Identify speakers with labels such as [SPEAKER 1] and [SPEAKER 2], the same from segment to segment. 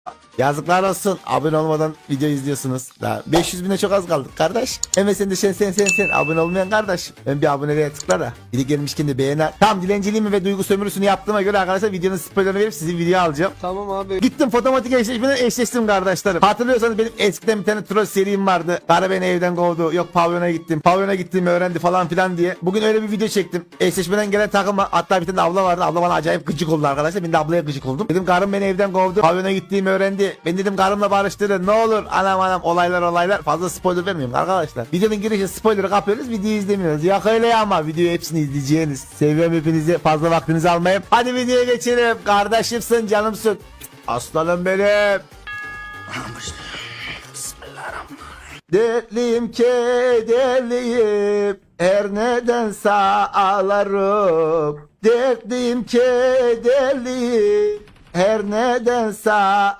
[SPEAKER 1] Yazıklar olsun. Abone olmadan video izliyorsunuz. Daha 500 bine çok az kaldık kardeş. Hemen sen de sen abone olmayan kardeş. Ben bir aboneliğe tıkla da. Biri gelmişken de beğen. Tam dilenciliğimi ve duygu sömürüsünü yaptığıma göre arkadaşlar videonun spoilerını verip sizi video alacağım.
[SPEAKER 2] Tamam abi.
[SPEAKER 1] Gittim fotomatik eşleşmeden eşleştim kardeşlerim. Hatırlıyorsanız benim eskiden bir tane troll serim vardı. Karı beni evden kovdu. Yok pavyona gittim. Pavyona gittiğimi öğrendi falan filan diye. Bugün öyle bir video çektim. Eşleşmeden gelen takıma, hatta bir tane abla vardı. Abla bana acayip gıcık oldu arkadaşlar. Ben de ablaya gıcık oldum. Dedim karım beni evden kovdu. Pavyona gittiğimi öğrendi. Ben dedim karımla barıştırın. Ne olur. Anam olaylar. Fazla spoiler vermeyeyim arkadaşlar. Videonun girişi spoiler'ı kapıyoruz. Videoyu izlemiyoruz. Yok öyle ya ama videoyu hepsini izleyeceğiniz. Seviyorum hepinizi. Fazla vaktinizi almayayım. Hadi videoya geçelim. Kardeşimsin, canımsın. Aslanım benim. Dertliyim kederliyim, her nedense ağlarım. Dertliyim kederliyim, her nedense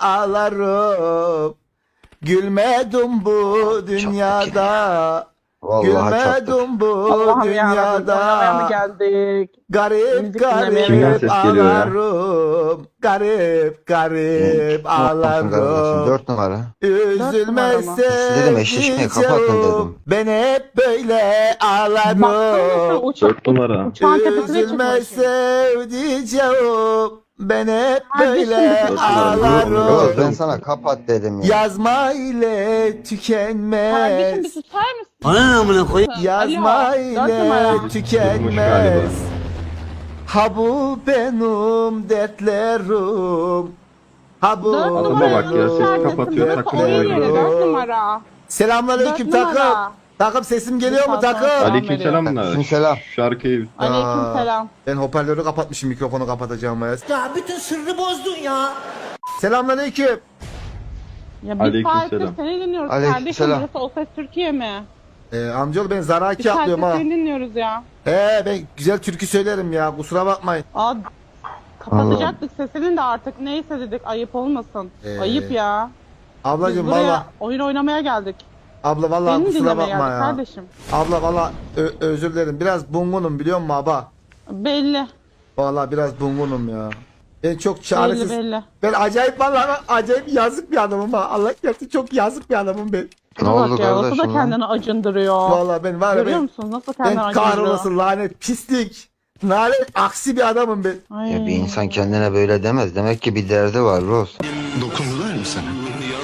[SPEAKER 1] ağlarım. Gülmedim bu dünyada.
[SPEAKER 3] Vallahi çok
[SPEAKER 1] Gülmedim bu
[SPEAKER 4] Allah'ım yarabbim, oynamaya mı
[SPEAKER 1] dünyada.
[SPEAKER 4] geldik?
[SPEAKER 1] Garip
[SPEAKER 4] Müzik dinlemeye
[SPEAKER 3] Kimden
[SPEAKER 1] garip
[SPEAKER 3] ses geliyor ya?
[SPEAKER 1] ağlarım. Garip
[SPEAKER 3] kardeşim,
[SPEAKER 1] ağlarım.
[SPEAKER 3] 4 numara.
[SPEAKER 1] Üzülme
[SPEAKER 3] Dedim, eşleşmeyi kapatın dedim.
[SPEAKER 1] Ben hep böyle
[SPEAKER 4] Baksana
[SPEAKER 1] ağlarım.
[SPEAKER 4] uçak,
[SPEAKER 3] numara.
[SPEAKER 4] uçağın tepesine
[SPEAKER 1] Üzülme
[SPEAKER 4] çıkmış.
[SPEAKER 1] sevdiceğim. Ben hep
[SPEAKER 4] Kardeşim,
[SPEAKER 1] böyle
[SPEAKER 4] Yok,
[SPEAKER 3] Yok, ben
[SPEAKER 1] ağlarım.
[SPEAKER 3] sana kapat dedim ya.
[SPEAKER 1] Yazma ile
[SPEAKER 4] Kardeşim bir
[SPEAKER 1] tükenmez.
[SPEAKER 4] susar mısın?
[SPEAKER 1] Yazma
[SPEAKER 4] Alo, 4 numara.
[SPEAKER 1] ile tükenmez. Ha bu benim dertlerim. Ha bu
[SPEAKER 4] 4
[SPEAKER 3] Adama
[SPEAKER 4] numara.
[SPEAKER 3] bak ya, ses
[SPEAKER 4] kapatıyor,
[SPEAKER 3] takılıyor
[SPEAKER 4] oyun
[SPEAKER 3] ya.
[SPEAKER 4] yeri 4 numara.
[SPEAKER 1] Selamünaleyküm
[SPEAKER 4] 4 numara.
[SPEAKER 1] takım. Takım sesim geliyor mu takım?
[SPEAKER 4] Aleykümselam.
[SPEAKER 3] Aleykümselam.
[SPEAKER 5] Şarkıyı
[SPEAKER 4] Aleykümselam.
[SPEAKER 1] Ben hoparlörü kapatmışım, mikrofonu kapatacağım.
[SPEAKER 6] Ya bütün sırrı bozdun ya.
[SPEAKER 1] Selamünaleyküm.
[SPEAKER 4] Ya biz
[SPEAKER 5] Aleykümselam.
[SPEAKER 4] saattir seni dinliyoruz
[SPEAKER 3] Aleykümselam.
[SPEAKER 4] kardeşim. Burası O Ses Türkiye mi?
[SPEAKER 1] Amcaoğlu ben Zaraki
[SPEAKER 4] Bir saattir
[SPEAKER 1] yapıyorum ha.
[SPEAKER 4] seni dinliyoruz ya.
[SPEAKER 1] Ben güzel türkü söylerim ya, kusura bakmayın.
[SPEAKER 4] Aa, kapatacaktık sesinin de artık. Neyse dedik, ayıp olmasın. Ayıp ya. Biz
[SPEAKER 1] Ablacım
[SPEAKER 4] buraya
[SPEAKER 1] valla.
[SPEAKER 4] oyun oynamaya geldik.
[SPEAKER 1] Abla valla
[SPEAKER 4] Beni
[SPEAKER 1] kusura
[SPEAKER 4] dinlemeye
[SPEAKER 1] bakma
[SPEAKER 4] geldik
[SPEAKER 1] ya.
[SPEAKER 4] kardeşim.
[SPEAKER 1] Abla valla özür dilerim. Biraz bungunum biliyor musun abla?
[SPEAKER 4] Belli.
[SPEAKER 1] Valla biraz bungunum ya. Ben çok çaresiz.
[SPEAKER 4] Belli.
[SPEAKER 1] Ben acayip valla acayip yazık bir adamım ha. Allah gerçekten çok yazık bir adamım ben.
[SPEAKER 3] Ne
[SPEAKER 4] Bak
[SPEAKER 3] oldu
[SPEAKER 4] ya, nasıl
[SPEAKER 3] kardeşim
[SPEAKER 4] da
[SPEAKER 3] lan?
[SPEAKER 4] kendini acındırıyor.
[SPEAKER 1] Valla ben var ya
[SPEAKER 4] Görüyor
[SPEAKER 1] ben,
[SPEAKER 4] musun? Nasıl kendini
[SPEAKER 1] ben
[SPEAKER 4] acındırıyor.
[SPEAKER 1] kahrolası lanet pislik. Lanet aksi bir adamım ben.
[SPEAKER 4] Ay.
[SPEAKER 3] Ya bir insan kendine böyle demez. Demek ki bir derdi var Roz.
[SPEAKER 7] Dokundular mı sana?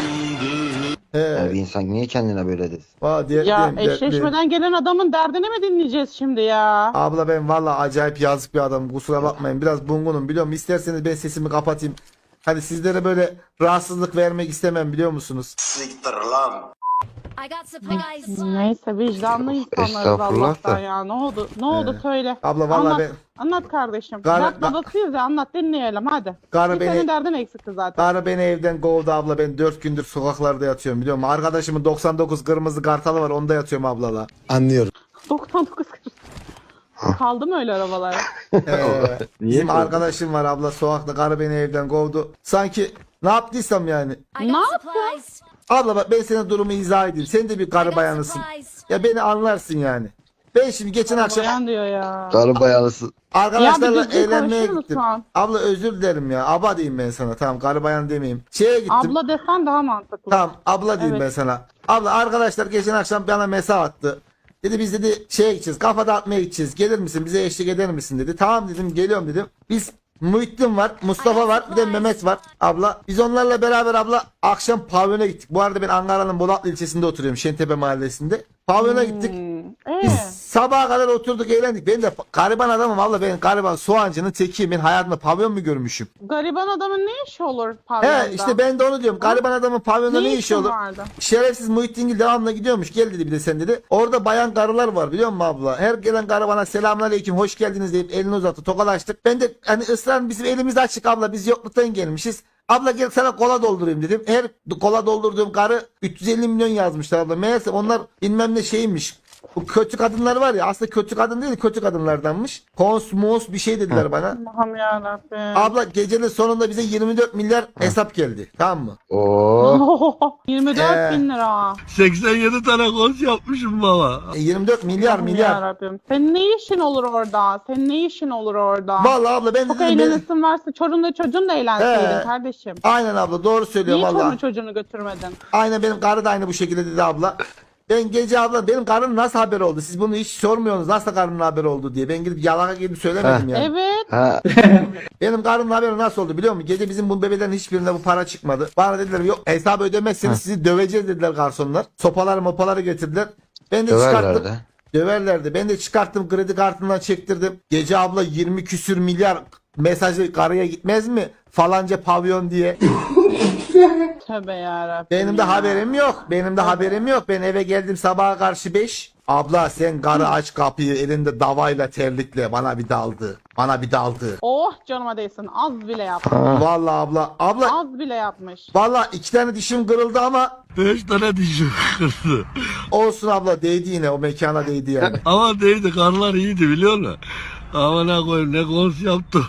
[SPEAKER 3] Yani bir insan niye kendine böyle desin?
[SPEAKER 1] Valla
[SPEAKER 4] Ya
[SPEAKER 1] dertliyim.
[SPEAKER 4] eşleşmeden gelen adamın derdini mi dinleyeceğiz şimdi ya?
[SPEAKER 1] Abla ben valla acayip yazık bir adamım, kusura bakmayın. Biraz bungunum biliyorum. İsterseniz ben sesimi kapatayım. Hani sizlere böyle rahatsızlık vermek istemem biliyor musunuz?
[SPEAKER 6] Siktir lan.
[SPEAKER 8] I got supplies.
[SPEAKER 4] Neyse, vicdanlı insanlarız
[SPEAKER 3] Estağfurullah
[SPEAKER 4] Allah'tan
[SPEAKER 3] da.
[SPEAKER 4] ya. Ne oldu? Ne oldu söyle.
[SPEAKER 1] Abla valla
[SPEAKER 4] Anlat.
[SPEAKER 1] ben
[SPEAKER 4] Anlat kardeşim.
[SPEAKER 1] Gar-
[SPEAKER 4] Dert babasıyız ya, anlat dinleyelim hadi.
[SPEAKER 1] Karı
[SPEAKER 4] Bir senin
[SPEAKER 1] beni
[SPEAKER 4] derdin eksikti zaten.
[SPEAKER 1] Karı beni evden kovdu abla, ben 4 gündür sokaklarda yatıyorum biliyor musun? Arkadaşımın 99 kırmızı kartalı var, onda yatıyorum ablala.
[SPEAKER 4] 99 kız. Kaldı mı öyle arabalar?
[SPEAKER 1] Bizim
[SPEAKER 5] kovdu?
[SPEAKER 1] arkadaşım var abla, sokakta, karı beni evden kovdu. Sanki ne yaptıysam yani.
[SPEAKER 8] I
[SPEAKER 4] Ne
[SPEAKER 8] got
[SPEAKER 4] yaptın?
[SPEAKER 8] supplies.
[SPEAKER 1] Abla bak ben sana durumu izah edeyim. Sen de bir
[SPEAKER 8] I
[SPEAKER 1] karı
[SPEAKER 8] got
[SPEAKER 1] bayanısın.
[SPEAKER 8] supplies.
[SPEAKER 1] Ya beni anlarsın yani. Ben şimdi geçen akşam
[SPEAKER 4] Bayan diyor ya.
[SPEAKER 3] Karı bayanısı.
[SPEAKER 1] arkadaşlarla
[SPEAKER 4] Ya bir düzgün
[SPEAKER 1] eğlenmeye
[SPEAKER 4] konuşur
[SPEAKER 1] gittim.
[SPEAKER 4] musun?
[SPEAKER 1] Abla özür dilerim ya. Aba diyeyim ben sana. Tamam, karı bayan demeyeyim. Şeye gittim.
[SPEAKER 4] Abla desen daha mantıklı.
[SPEAKER 1] Tamam abla diyeyim
[SPEAKER 4] Evet.
[SPEAKER 1] ben sana. Abla arkadaşlar geçen akşam bana mesaj attı. Dedi biz dedi şeye gideceğiz, kafa dağıtmaya gideceğiz. Gelir misin, bize eşlik eder misin dedi. Tamam dedim, geliyorum dedim. Biz Muhittin var, Mustafa var, bir de Mehmet var abla. Biz onlarla beraber abla akşam pavyona gittik. Bu arada ben Ankara'nın Bolatlı ilçesinde oturuyorum, Şentepe mahallesinde. Pavyona gittik. Biz sabaha kadar oturduk, eğlendik. Ben de gariban adamım abla, ben gariban soğancının tekiyim. Ben hayatımda pavyon mu görmüşüm?
[SPEAKER 4] Gariban adamın ne işi olur pavyonda?
[SPEAKER 1] He işte ben de onu diyorum. Gariban adamın pavyonda ne işi
[SPEAKER 4] işin
[SPEAKER 1] olur?
[SPEAKER 4] vardı?
[SPEAKER 1] Şerefsiz Muhittin devamlı gidiyormuş. Gel dedi bir de sen dedi. Orada bayan karılar var biliyor musun abla? Her gelen karı bana selamünaleyküm, hoş geldiniz deyip elini uzattı. Tokalaştık. Ben de hani ısrar, bizim elimiz açık abla, biz yokluktan gelmişiz. Abla gel sana kola doldurayım dedim. Her kola doldurduğum karı 350 milyon yazmışlar abla. Meğerse onlar bilmem ne şeymiş. Bu kötü kadınlar var ya, aslında kötü kadın değil, kötü kadınlardanmış. Konsmos bir şey dediler bana.
[SPEAKER 4] Allah'ım yarabbim.
[SPEAKER 1] Abla gecenin sonunda bize 24 milyar hesap geldi. Tamam mı?
[SPEAKER 3] Oo.
[SPEAKER 4] 24 bin lira.
[SPEAKER 2] 87 tane kons yapmışım baba.
[SPEAKER 1] 24 milyar
[SPEAKER 4] Allah'ım
[SPEAKER 1] milyar.
[SPEAKER 4] yarabbim. Senin ne işin olur orada? Senin ne işin olur orada?
[SPEAKER 1] Vallahi abla ben
[SPEAKER 4] Çok
[SPEAKER 1] dedim
[SPEAKER 4] eğlenesin varsa çorunla çocuğun da eğlenseydin kardeşim.
[SPEAKER 1] aynen abla doğru söylüyor
[SPEAKER 4] Niye
[SPEAKER 1] vallahi.
[SPEAKER 4] çorunu çocuğunu götürmedin?
[SPEAKER 1] Aynen benim karı da aynı bu şekilde dedi abla. Ben gece abla benim karım nasıl haber oldu? Siz bunu hiç sormuyorsunuz nasıl karımın haber oldu diye. Ben gidip yalaka gidip söylemedim yani.
[SPEAKER 4] Evet.
[SPEAKER 3] Ha.
[SPEAKER 1] Benim karımın haberi nasıl oldu biliyor musun? Gece bizim bu bebelerin hiçbirinde bu para çıkmadı. Bana dediler yok hesabı ödemezseniz sizi döveceğiz dediler garsonlar. Sopaları mopaları getirdiler. Ben de çıkarttım.
[SPEAKER 3] Döverlerdi.
[SPEAKER 1] Döverlerdi. Ben de çıkarttım kredi kartından çektirdim. Gece abla 20 küsür milyar mesajı karıya gitmez mi? Falanca pavyon diye.
[SPEAKER 4] Tövbe yarabbim.
[SPEAKER 1] Benim de
[SPEAKER 4] ya.
[SPEAKER 1] haberim yok. Benim de haberim yok. Ben eve geldim sabaha karşı 5. Abla sen karı aç kapıyı elinde davayla terlikle bana bir daldı. Bana bir daldı.
[SPEAKER 4] Oh canıma değsin. Az bile yapmış.
[SPEAKER 1] Vallahi abla. Abla
[SPEAKER 4] Az bile yapmış.
[SPEAKER 1] vallahi 2 tane dişim kırıldı ama
[SPEAKER 2] 5 tane dişim kırdı.
[SPEAKER 1] olsun abla değdi yine o mekana değdi yani.
[SPEAKER 2] Ama değildi, karlar iyiydi biliyor musun? Amına koyayım ne kons yaptım.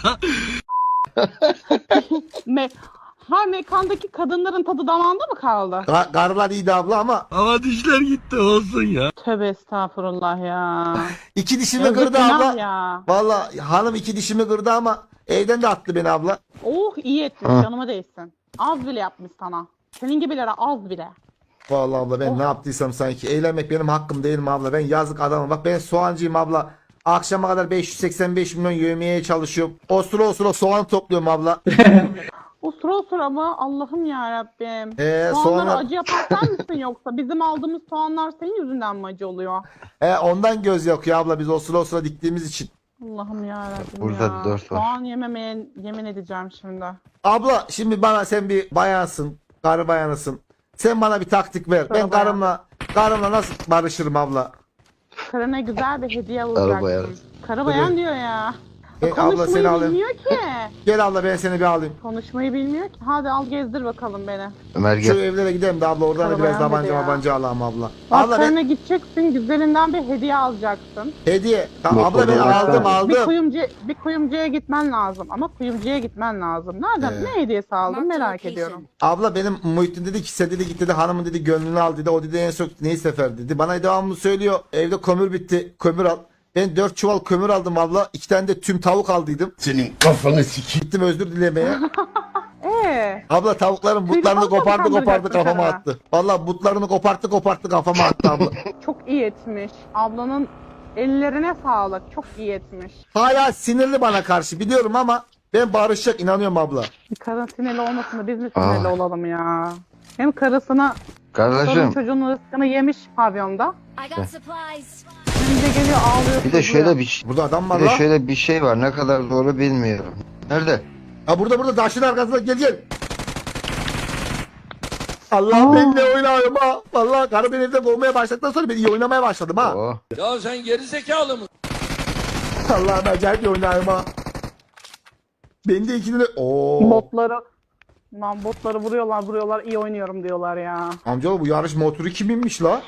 [SPEAKER 4] Mekandaki kadınların tadı damağında mı kaldı?
[SPEAKER 1] Karılar iyiydi abla ama
[SPEAKER 2] Ama dişler gitti olsun ya.
[SPEAKER 4] Tövbe estağfurullah ya.
[SPEAKER 1] 2 dişimi
[SPEAKER 4] Yazık
[SPEAKER 1] kırdı
[SPEAKER 4] günah
[SPEAKER 1] abla.
[SPEAKER 4] ya.
[SPEAKER 1] Vallahi hanım 2 dişimi kırdı ama evden de attı beni abla.
[SPEAKER 4] Oh iyi etmiş canıma değsin. Az bile yapmış sana. Senin gibilere az bile.
[SPEAKER 1] Vallahi abla ben ne yaptıysam sanki. Eğlenmek benim hakkım değil mi abla? Ben yazık adamım. Bak ben soğancıyım abla. Akşama kadar 585 milyon yövmeye çalışıyorum. Osura soğan topluyorum abla.
[SPEAKER 4] Osura ama Allah'ım yarabbim.
[SPEAKER 1] Soğanlar-
[SPEAKER 4] Soğanları acı yapan sen misin yoksa? Bizim aldığımız soğanlar senin yüzünden mi acı oluyor?
[SPEAKER 1] Ondan göz yakıyor abla biz osura diktiğimiz için.
[SPEAKER 4] Allah'ım yarabbim
[SPEAKER 3] Burada
[SPEAKER 4] ya.
[SPEAKER 3] dört var.
[SPEAKER 4] Soğan yememeye yemin edeceğim şimdi.
[SPEAKER 1] Abla şimdi bana sen bir bayansın. Karı bayanısın. Sen bana bir taktik ver. Ben
[SPEAKER 4] Karı
[SPEAKER 1] karımla nasıl barışırım abla?
[SPEAKER 4] Karına güzel bir hediye
[SPEAKER 3] bayan.
[SPEAKER 4] alacaksın. Karı bayan diyor ya.
[SPEAKER 1] Abla
[SPEAKER 4] Konuşmayı
[SPEAKER 1] seni alayım.
[SPEAKER 4] bilmiyor ki.
[SPEAKER 1] Gel abla ben seni bir alayım.
[SPEAKER 4] Konuşmayı bilmiyor ki. Hadi al gezdir bakalım beni.
[SPEAKER 3] Ömer
[SPEAKER 1] Şu
[SPEAKER 3] gel.
[SPEAKER 1] evlere gidelim de abla oradan da
[SPEAKER 4] Karı
[SPEAKER 1] biraz
[SPEAKER 4] bayan dedi ya.
[SPEAKER 1] tabanca alalım abla.
[SPEAKER 4] Bak
[SPEAKER 1] Abla ben
[SPEAKER 4] karına gideceksin, güzelinden bir hediye alacaksın.
[SPEAKER 1] hediye. Tamam, abla
[SPEAKER 3] Motorla
[SPEAKER 1] ben
[SPEAKER 3] baksana.
[SPEAKER 1] aldım.
[SPEAKER 4] Bir kuyumcuya gitmen lazım ama kuyumcuya gitmen lazım. Nereden ne hediyesi aldın
[SPEAKER 8] Marked
[SPEAKER 4] merak
[SPEAKER 8] location.
[SPEAKER 4] ediyorum.
[SPEAKER 1] Abla benim Muhittin dedi ki sen dedi git dedi hanımın dedi gönlünü al dedi. O dedi en çok neyi sefer dedi. Bana devamlı söylüyor evde kömür bitti kömür al. Ben 4 çuval kömür aldım abla. 2 tane de tüm tavuk aldıydım.
[SPEAKER 2] Senin kafanı sikeyim.
[SPEAKER 1] Gittim özür dilemeye. Abla tavukların butlarını
[SPEAKER 4] Tüylü
[SPEAKER 1] kopardı
[SPEAKER 4] kandıracaksın
[SPEAKER 1] kafama
[SPEAKER 4] karına.
[SPEAKER 1] attı. Vallahi butlarını koparttı kafama attı abla.
[SPEAKER 4] Çok iyi etmiş. Ablanın ellerine sağlık. Çok iyi etmiş.
[SPEAKER 1] Hala sinirli bana karşı biliyorum ama ben barışacak inanıyorum abla.
[SPEAKER 4] Karın sinirli olmasın da biz mi sinirli olalım ya? Hem karısına sorun
[SPEAKER 3] Kardeşim
[SPEAKER 4] çocuğun rızkını yemiş pavyonda.
[SPEAKER 8] I got supplies.
[SPEAKER 4] Hem de geliyor ağlıyor.
[SPEAKER 3] bir de
[SPEAKER 4] sızlıyor.
[SPEAKER 3] şöyle bir
[SPEAKER 1] Burada adam var
[SPEAKER 3] bir de
[SPEAKER 1] la.
[SPEAKER 3] şöyle bir şey var. Ne kadar doğru bilmiyorum. Nerede?
[SPEAKER 1] Ha burada taşın arkasında gel. Allah ben de oynuyorum ha. Vallahi karı beni evden kovmaya başladıktan sonra ben iyi oynamaya başladım ha.
[SPEAKER 3] Oo.
[SPEAKER 2] Ya sen geri zekalı mısın?
[SPEAKER 1] Allah'ım acayip iyi oynuyorum ha. Ben de ikini de... Oo.
[SPEAKER 4] Botları vuruyorlar iyi oynuyorum diyorlar ya.
[SPEAKER 1] Amcaoğlu bu yarış motoru kiminmiş la?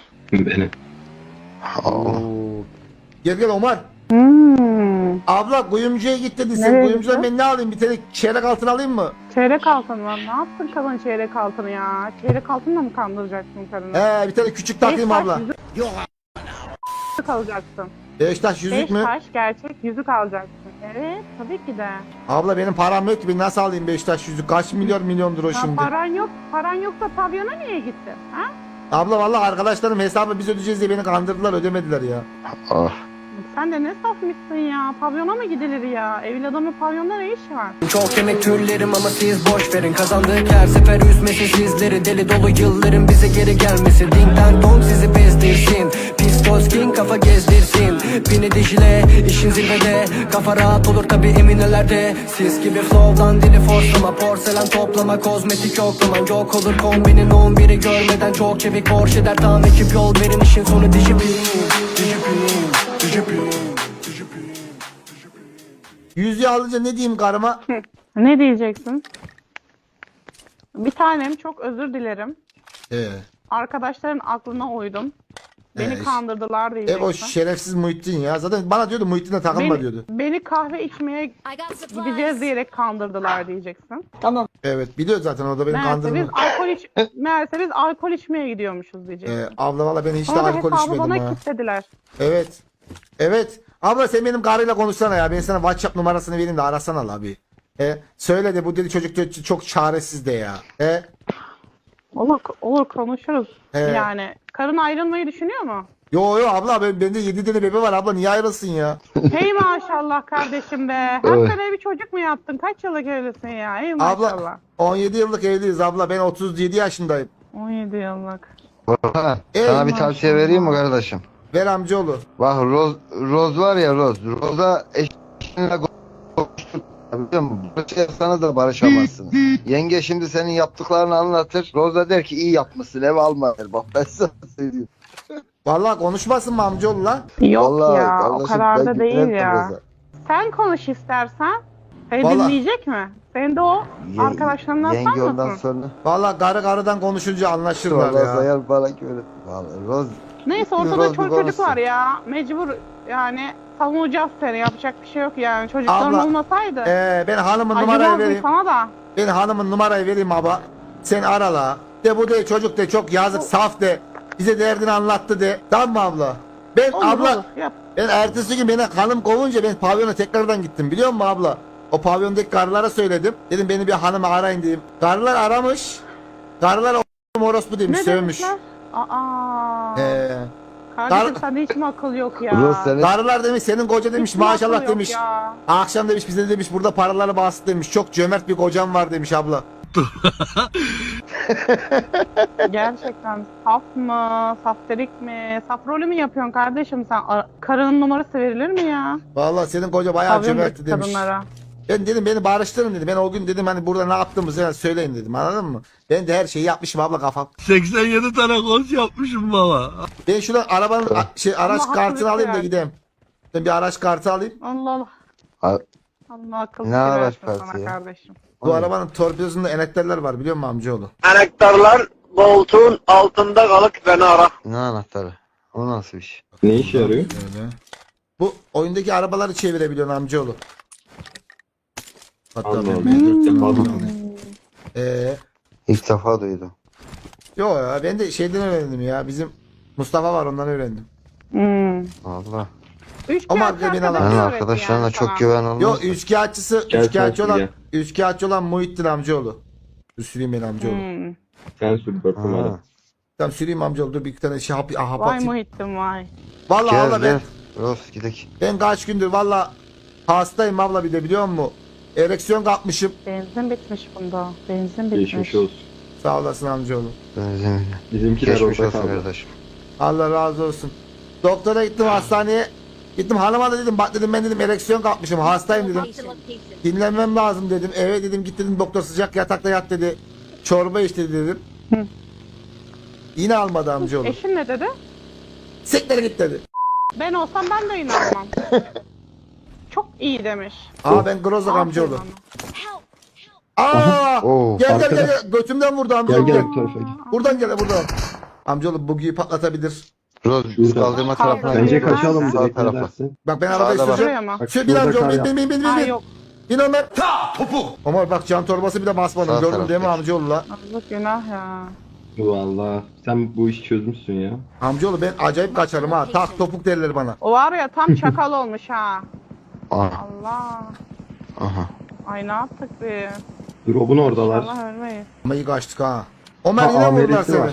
[SPEAKER 1] Oo. Gel Omar. Abla kuyumcuya git dedi. Sen
[SPEAKER 4] Nereye
[SPEAKER 1] kuyumcudan
[SPEAKER 4] gitti?
[SPEAKER 1] ben ne alayım? Bir tane çeyrek altın alayım mı?
[SPEAKER 4] Çeyrek altın mı? Ne yaptın kadın çeyrek altını ya? Çeyrek altınla mı kandıracaksın karını?
[SPEAKER 1] Bir tane küçük takayım abla.
[SPEAKER 4] Yüzük alacaksın.
[SPEAKER 1] Beşiktaş yüzük
[SPEAKER 4] 5
[SPEAKER 1] mü?
[SPEAKER 4] taş gerçek yüzük alacaksın. Evet tabii ki de.
[SPEAKER 1] Abla benim param yok ki ben nasıl alayım Beşiktaş yüzük? Kaç milyondur o
[SPEAKER 4] Ha,
[SPEAKER 1] şimdi?
[SPEAKER 4] paran yoksa pavyona niye gittin? Ha?
[SPEAKER 1] Abla vallahi arkadaşlarım hesabı biz ödeyeceğiz diye beni kandırdılar ödemediler ya.
[SPEAKER 3] Ah.
[SPEAKER 4] Sen de ne safmışsın ya? Pavyona mı gidilir ya? Evli adamın pavyonda ne işi var?
[SPEAKER 5] Çok yemek türlerim ama siz boş verin. Kazandık her sefer üzmesin sizleri. Deli dolu yılların bize geri gelmesi. Ding dang dong sizi bezdirsin. Pistol skin kafa gezdirsin. Bini dijile işin zirvede. Kafa rahat olur tabi eminelerde. Siz gibi flow'dan dili forslama. Porselen toplama kozmetik yoklaman. Yok olur kombinin 11'i görmeden. Çok çevik borç eder tam ekip yol verin. İşin sonu dijipin.
[SPEAKER 1] Yüzüğü alınca ne diyeyim karıma?
[SPEAKER 4] Ne diyeceksin? Bir tanem çok özür dilerim.
[SPEAKER 1] Ee,
[SPEAKER 4] Arkadaşların aklına uydum. Beni kandırdılar
[SPEAKER 1] O
[SPEAKER 4] diyeceksin.
[SPEAKER 1] şerefsiz Muhittin ya. Zaten bana diyordu Muhittin'le takılma
[SPEAKER 4] Beni,
[SPEAKER 1] diyordu.
[SPEAKER 4] beni kahve içmeye
[SPEAKER 8] I got
[SPEAKER 4] gideceğiz
[SPEAKER 8] supplies.
[SPEAKER 4] diyerek kandırdılar diyeceksin.
[SPEAKER 1] Evet biliyor zaten o da beni
[SPEAKER 4] Meğerse biz
[SPEAKER 1] kandırdı.
[SPEAKER 4] meğerse biz alkol içmeye gidiyormuşuz diyeceksin.
[SPEAKER 1] Abla valla ben hiç de
[SPEAKER 4] Sonra da
[SPEAKER 1] alkol
[SPEAKER 4] hesabı
[SPEAKER 1] içmedim
[SPEAKER 4] bana
[SPEAKER 1] ha.
[SPEAKER 4] kilitlediler.
[SPEAKER 1] Evet. Evet. Abla sen benim karıyla konuşsana ya. Ben sana WhatsApp numarasını vereyim de arasana la abi. Söyle de bu dedi çocuk çok çaresiz de ya.
[SPEAKER 4] Olur konuşuruz.
[SPEAKER 1] He.
[SPEAKER 4] Yani karın ayrılmayı düşünüyor mu?
[SPEAKER 1] Yo abla bende 7 tane bebe var abla niye ayrılsın ya?
[SPEAKER 4] Hey maşallah kardeşim be. Hakikaten bir çocuk mu yaptın? Kaç yıllık evlisin ya? Hey maşallah.
[SPEAKER 1] Abla 17 yıllık evliyiz abla ben 37 yaşındayım.
[SPEAKER 4] 17 yıllık.
[SPEAKER 3] Orhan,
[SPEAKER 1] Ey
[SPEAKER 3] sana bir tavsiye vereyim mi kardeşim?
[SPEAKER 1] Ver amcaoğlu.
[SPEAKER 3] Bak Roz var ya Roz. Roz'a eşinle konuştuk. Biliyor musun? Barışırsanız da barışamazsınız. Yenge şimdi senin yaptıklarını anlatır. Roz da der ki iyi yapmışsın ev alma der. Bak ben sana söyleyeyim.
[SPEAKER 1] Vallahi konuşmasın mı amcaoğlu la?
[SPEAKER 4] Yok
[SPEAKER 3] Vallahi
[SPEAKER 4] ya o
[SPEAKER 3] kardeşim,
[SPEAKER 4] kadar
[SPEAKER 3] ben
[SPEAKER 4] da değil
[SPEAKER 3] güvenmem
[SPEAKER 4] ya.
[SPEAKER 3] Roz'a.
[SPEAKER 4] Sen konuş istersen. Seni
[SPEAKER 1] Vallahi-
[SPEAKER 4] dinleyecek mi? Sen de o arkadaşlarından
[SPEAKER 3] Yenge ondan
[SPEAKER 4] sanmasın.
[SPEAKER 3] sonra
[SPEAKER 1] Vallahi karıdan konuşunca anlaşırlar
[SPEAKER 3] Roz
[SPEAKER 1] ya.
[SPEAKER 3] ayar bana göre. Vallahi Roz
[SPEAKER 4] Neyse ortada
[SPEAKER 3] Roz bir
[SPEAKER 4] çocuk var
[SPEAKER 3] konuşsun.
[SPEAKER 4] ya. Mecbur yani savunacağız seni. Yapacak bir şey yok yani. Çocukların
[SPEAKER 1] Abla,
[SPEAKER 4] olmasaydı.
[SPEAKER 1] Ben hanımın numarayı
[SPEAKER 4] Acımazdım
[SPEAKER 1] vereyim.
[SPEAKER 4] sana da.
[SPEAKER 1] Ben hanımın numarayı vereyim abla. Sen ara la. De bu de çocuk de çok yazık saf de. Bize derdini anlattı de. Tamam mı abla? Ben
[SPEAKER 4] Olur
[SPEAKER 1] abla
[SPEAKER 4] olur yap.
[SPEAKER 1] ben ertesi gün beni hanım kovunca ben pavyona tekrardan gittim biliyor musun abla? O pavyondaki karılara söyledim. Dedim beni bir hanımı arayın diyeyim. Karılar aramış. Karılar orospu demiş
[SPEAKER 4] Ne
[SPEAKER 1] sövmüş.
[SPEAKER 4] demişler? Aa.
[SPEAKER 1] Ee,
[SPEAKER 4] Kardeşim
[SPEAKER 1] Kar-
[SPEAKER 4] sende hiç mi akıl yok ya?
[SPEAKER 3] Roz senin
[SPEAKER 1] karılar demiş senin koca demiş
[SPEAKER 4] Hiç mi akıl
[SPEAKER 1] maşallah
[SPEAKER 4] yok
[SPEAKER 1] demiş.
[SPEAKER 4] ya?
[SPEAKER 1] Akşam demiş bize demiş burada paraları bastı demiş. Çok cömert bir kocam var demiş abla.
[SPEAKER 4] Gerçekten saf mı? Safterik mi? Saf rolü mü yapıyorsun kardeşim sen? Karının numarası verilir mi ya?
[SPEAKER 1] Vallahi senin koca bayağı cömertti
[SPEAKER 4] Pavyondaki
[SPEAKER 1] demiş.
[SPEAKER 4] kadınlara.
[SPEAKER 1] Ben dedim beni barıştırın dedi. Ben o gün dedim hani burada ne yaptığımızı yani söyleyin dedim anladın mı? Ben de her şeyi yapmışım abla kafam.
[SPEAKER 2] 87 tane kons yapmışım baba.
[SPEAKER 1] Ben şuradan arabanın araç
[SPEAKER 4] Allah
[SPEAKER 1] kartını
[SPEAKER 4] hakkını
[SPEAKER 1] alayım da
[SPEAKER 4] ver.
[SPEAKER 1] gideyim. Ben bir araç kartı alayım.
[SPEAKER 4] Allah Allah.
[SPEAKER 3] Ha-
[SPEAKER 4] Allah akıl
[SPEAKER 3] Ne
[SPEAKER 4] fikir
[SPEAKER 3] araç
[SPEAKER 4] versin
[SPEAKER 3] kartı
[SPEAKER 4] sana
[SPEAKER 3] ya?
[SPEAKER 4] kardeşim.
[SPEAKER 1] Bu arabanın torpidosunda enekterler var biliyor musun amcaoğlu?
[SPEAKER 6] Anahtarlar koltuğun altında kalıp beni ara.
[SPEAKER 3] ne anahtarı? O nasıl bir şey?
[SPEAKER 7] Ne işe yarıyor?
[SPEAKER 1] Öyle. Bu oyundaki arabaları çevirebiliyorsun amcaoğlu. Hatta
[SPEAKER 7] Allah
[SPEAKER 1] ben
[SPEAKER 7] Allah.
[SPEAKER 1] M4'ten
[SPEAKER 7] Allah
[SPEAKER 1] alayım.
[SPEAKER 7] Allah.
[SPEAKER 3] İlk defa duydum.
[SPEAKER 1] Yo ya ben de şeyden öğrendim ya. Bizim Mustafa var ondan öğrendim.
[SPEAKER 3] Allah.
[SPEAKER 4] Üç
[SPEAKER 1] Ama
[SPEAKER 4] kağıt
[SPEAKER 1] beni
[SPEAKER 4] arkadaşı
[SPEAKER 1] alan-
[SPEAKER 3] Ben
[SPEAKER 4] öğretti
[SPEAKER 3] arkadaşlarına
[SPEAKER 4] yani
[SPEAKER 3] çok
[SPEAKER 4] sana.
[SPEAKER 3] güven olmaz.
[SPEAKER 1] Yo üçkağıtçısı
[SPEAKER 7] Gel
[SPEAKER 1] üçkağıtçı
[SPEAKER 7] sen
[SPEAKER 1] olan
[SPEAKER 7] gel.
[SPEAKER 1] üçkağıtçı olan Muhittin amcaoğlu. Dur süreyim ben amcaoğlu.
[SPEAKER 7] Sen sür 4
[SPEAKER 3] Ha.
[SPEAKER 7] numara.
[SPEAKER 1] Tamam süreyim amcaoğlu dur bir iki tane şey hap
[SPEAKER 4] Vay
[SPEAKER 1] atayım.
[SPEAKER 4] Muhittin vay.
[SPEAKER 1] Vallahi
[SPEAKER 3] Gel
[SPEAKER 1] abla ben
[SPEAKER 3] gel. Roz gidelim.
[SPEAKER 1] ben kaç gündür valla hastayım abla bir de biliyor musun? Ereksiyon kapmışım.
[SPEAKER 4] Benzin bitmiş bunda. Benzin bitmiş.
[SPEAKER 7] Geçmiş olsun.
[SPEAKER 1] Sağ olasın amcaoğlu.
[SPEAKER 3] Benzemin.
[SPEAKER 7] Bizimkiler
[SPEAKER 3] Geçmiş
[SPEAKER 7] orada
[SPEAKER 3] olsun
[SPEAKER 7] kaldı.
[SPEAKER 3] kardeşim.
[SPEAKER 1] Allah razı olsun. Doktora gittim hastaneye. Gittim hanıma da dedim bak dedim ben dedim ereksiyon kapmışım hastayım dedim.
[SPEAKER 8] Marked a location.
[SPEAKER 1] Dinlenmem lazım dedim. Eve dedim git dedim doktor sıcak yatakta yat dedi. Çorba iç dedi dedim.
[SPEAKER 4] Hı.
[SPEAKER 1] Yine almadı amcaoğlu.
[SPEAKER 4] Eşin ne dedi?
[SPEAKER 1] Siktir git dedi.
[SPEAKER 4] Ben olsam ben de inanmam. Çok iyi demiş.
[SPEAKER 1] Aa ben Grozak amcaoğlu.
[SPEAKER 4] Aferin
[SPEAKER 8] Help!
[SPEAKER 1] Aa!
[SPEAKER 3] Oo.
[SPEAKER 1] Gel gel götümden vurdu
[SPEAKER 7] Gel
[SPEAKER 1] amcaoğlu.
[SPEAKER 7] gel
[SPEAKER 1] Gel.
[SPEAKER 7] bu tarafa gel.
[SPEAKER 1] Buradan gel buradan. Amcaoğlu bugiyi patlatabilir.
[SPEAKER 3] Roz biz
[SPEAKER 7] Şurada.
[SPEAKER 3] kaldırma tarafına
[SPEAKER 4] Bence
[SPEAKER 7] Bence
[SPEAKER 3] gidiyoruz.
[SPEAKER 7] kaçalım
[SPEAKER 3] Sağ
[SPEAKER 7] direkt ne
[SPEAKER 3] tarafa.
[SPEAKER 7] dersin?
[SPEAKER 1] Bak ben arabayı
[SPEAKER 3] Sağda bak.
[SPEAKER 1] süreceğim.
[SPEAKER 4] Buraya mı?
[SPEAKER 7] Bak
[SPEAKER 1] Sür bir
[SPEAKER 7] şurada
[SPEAKER 1] amcaoğlu
[SPEAKER 7] kar yap.
[SPEAKER 1] bin.
[SPEAKER 4] Ha yok.
[SPEAKER 1] Bin Ömer. Ömer bak can torbası bir de basmadım.
[SPEAKER 3] Sağ
[SPEAKER 1] Gördün değil mi
[SPEAKER 3] taraftaki.
[SPEAKER 1] amcaoğlu la?
[SPEAKER 4] Yazık günah ya.
[SPEAKER 7] Valla sen bu işi çözmüşsün ya.
[SPEAKER 1] Amcaoğlu ben acayip kaçarım ha. Tak topuk derler bana.
[SPEAKER 4] O var ya tam çakal olmuş ha.
[SPEAKER 3] Aha.
[SPEAKER 4] Allah.
[SPEAKER 3] Aha.
[SPEAKER 4] Ay ne yaptık biz?
[SPEAKER 7] Drop'un oradalar.
[SPEAKER 4] Allah ölmeyiz.
[SPEAKER 1] Ama iyi kaçtık ha. Ömer
[SPEAKER 7] Ha,
[SPEAKER 1] yine vurdular
[SPEAKER 7] Amerik'te
[SPEAKER 1] seni.
[SPEAKER 7] var.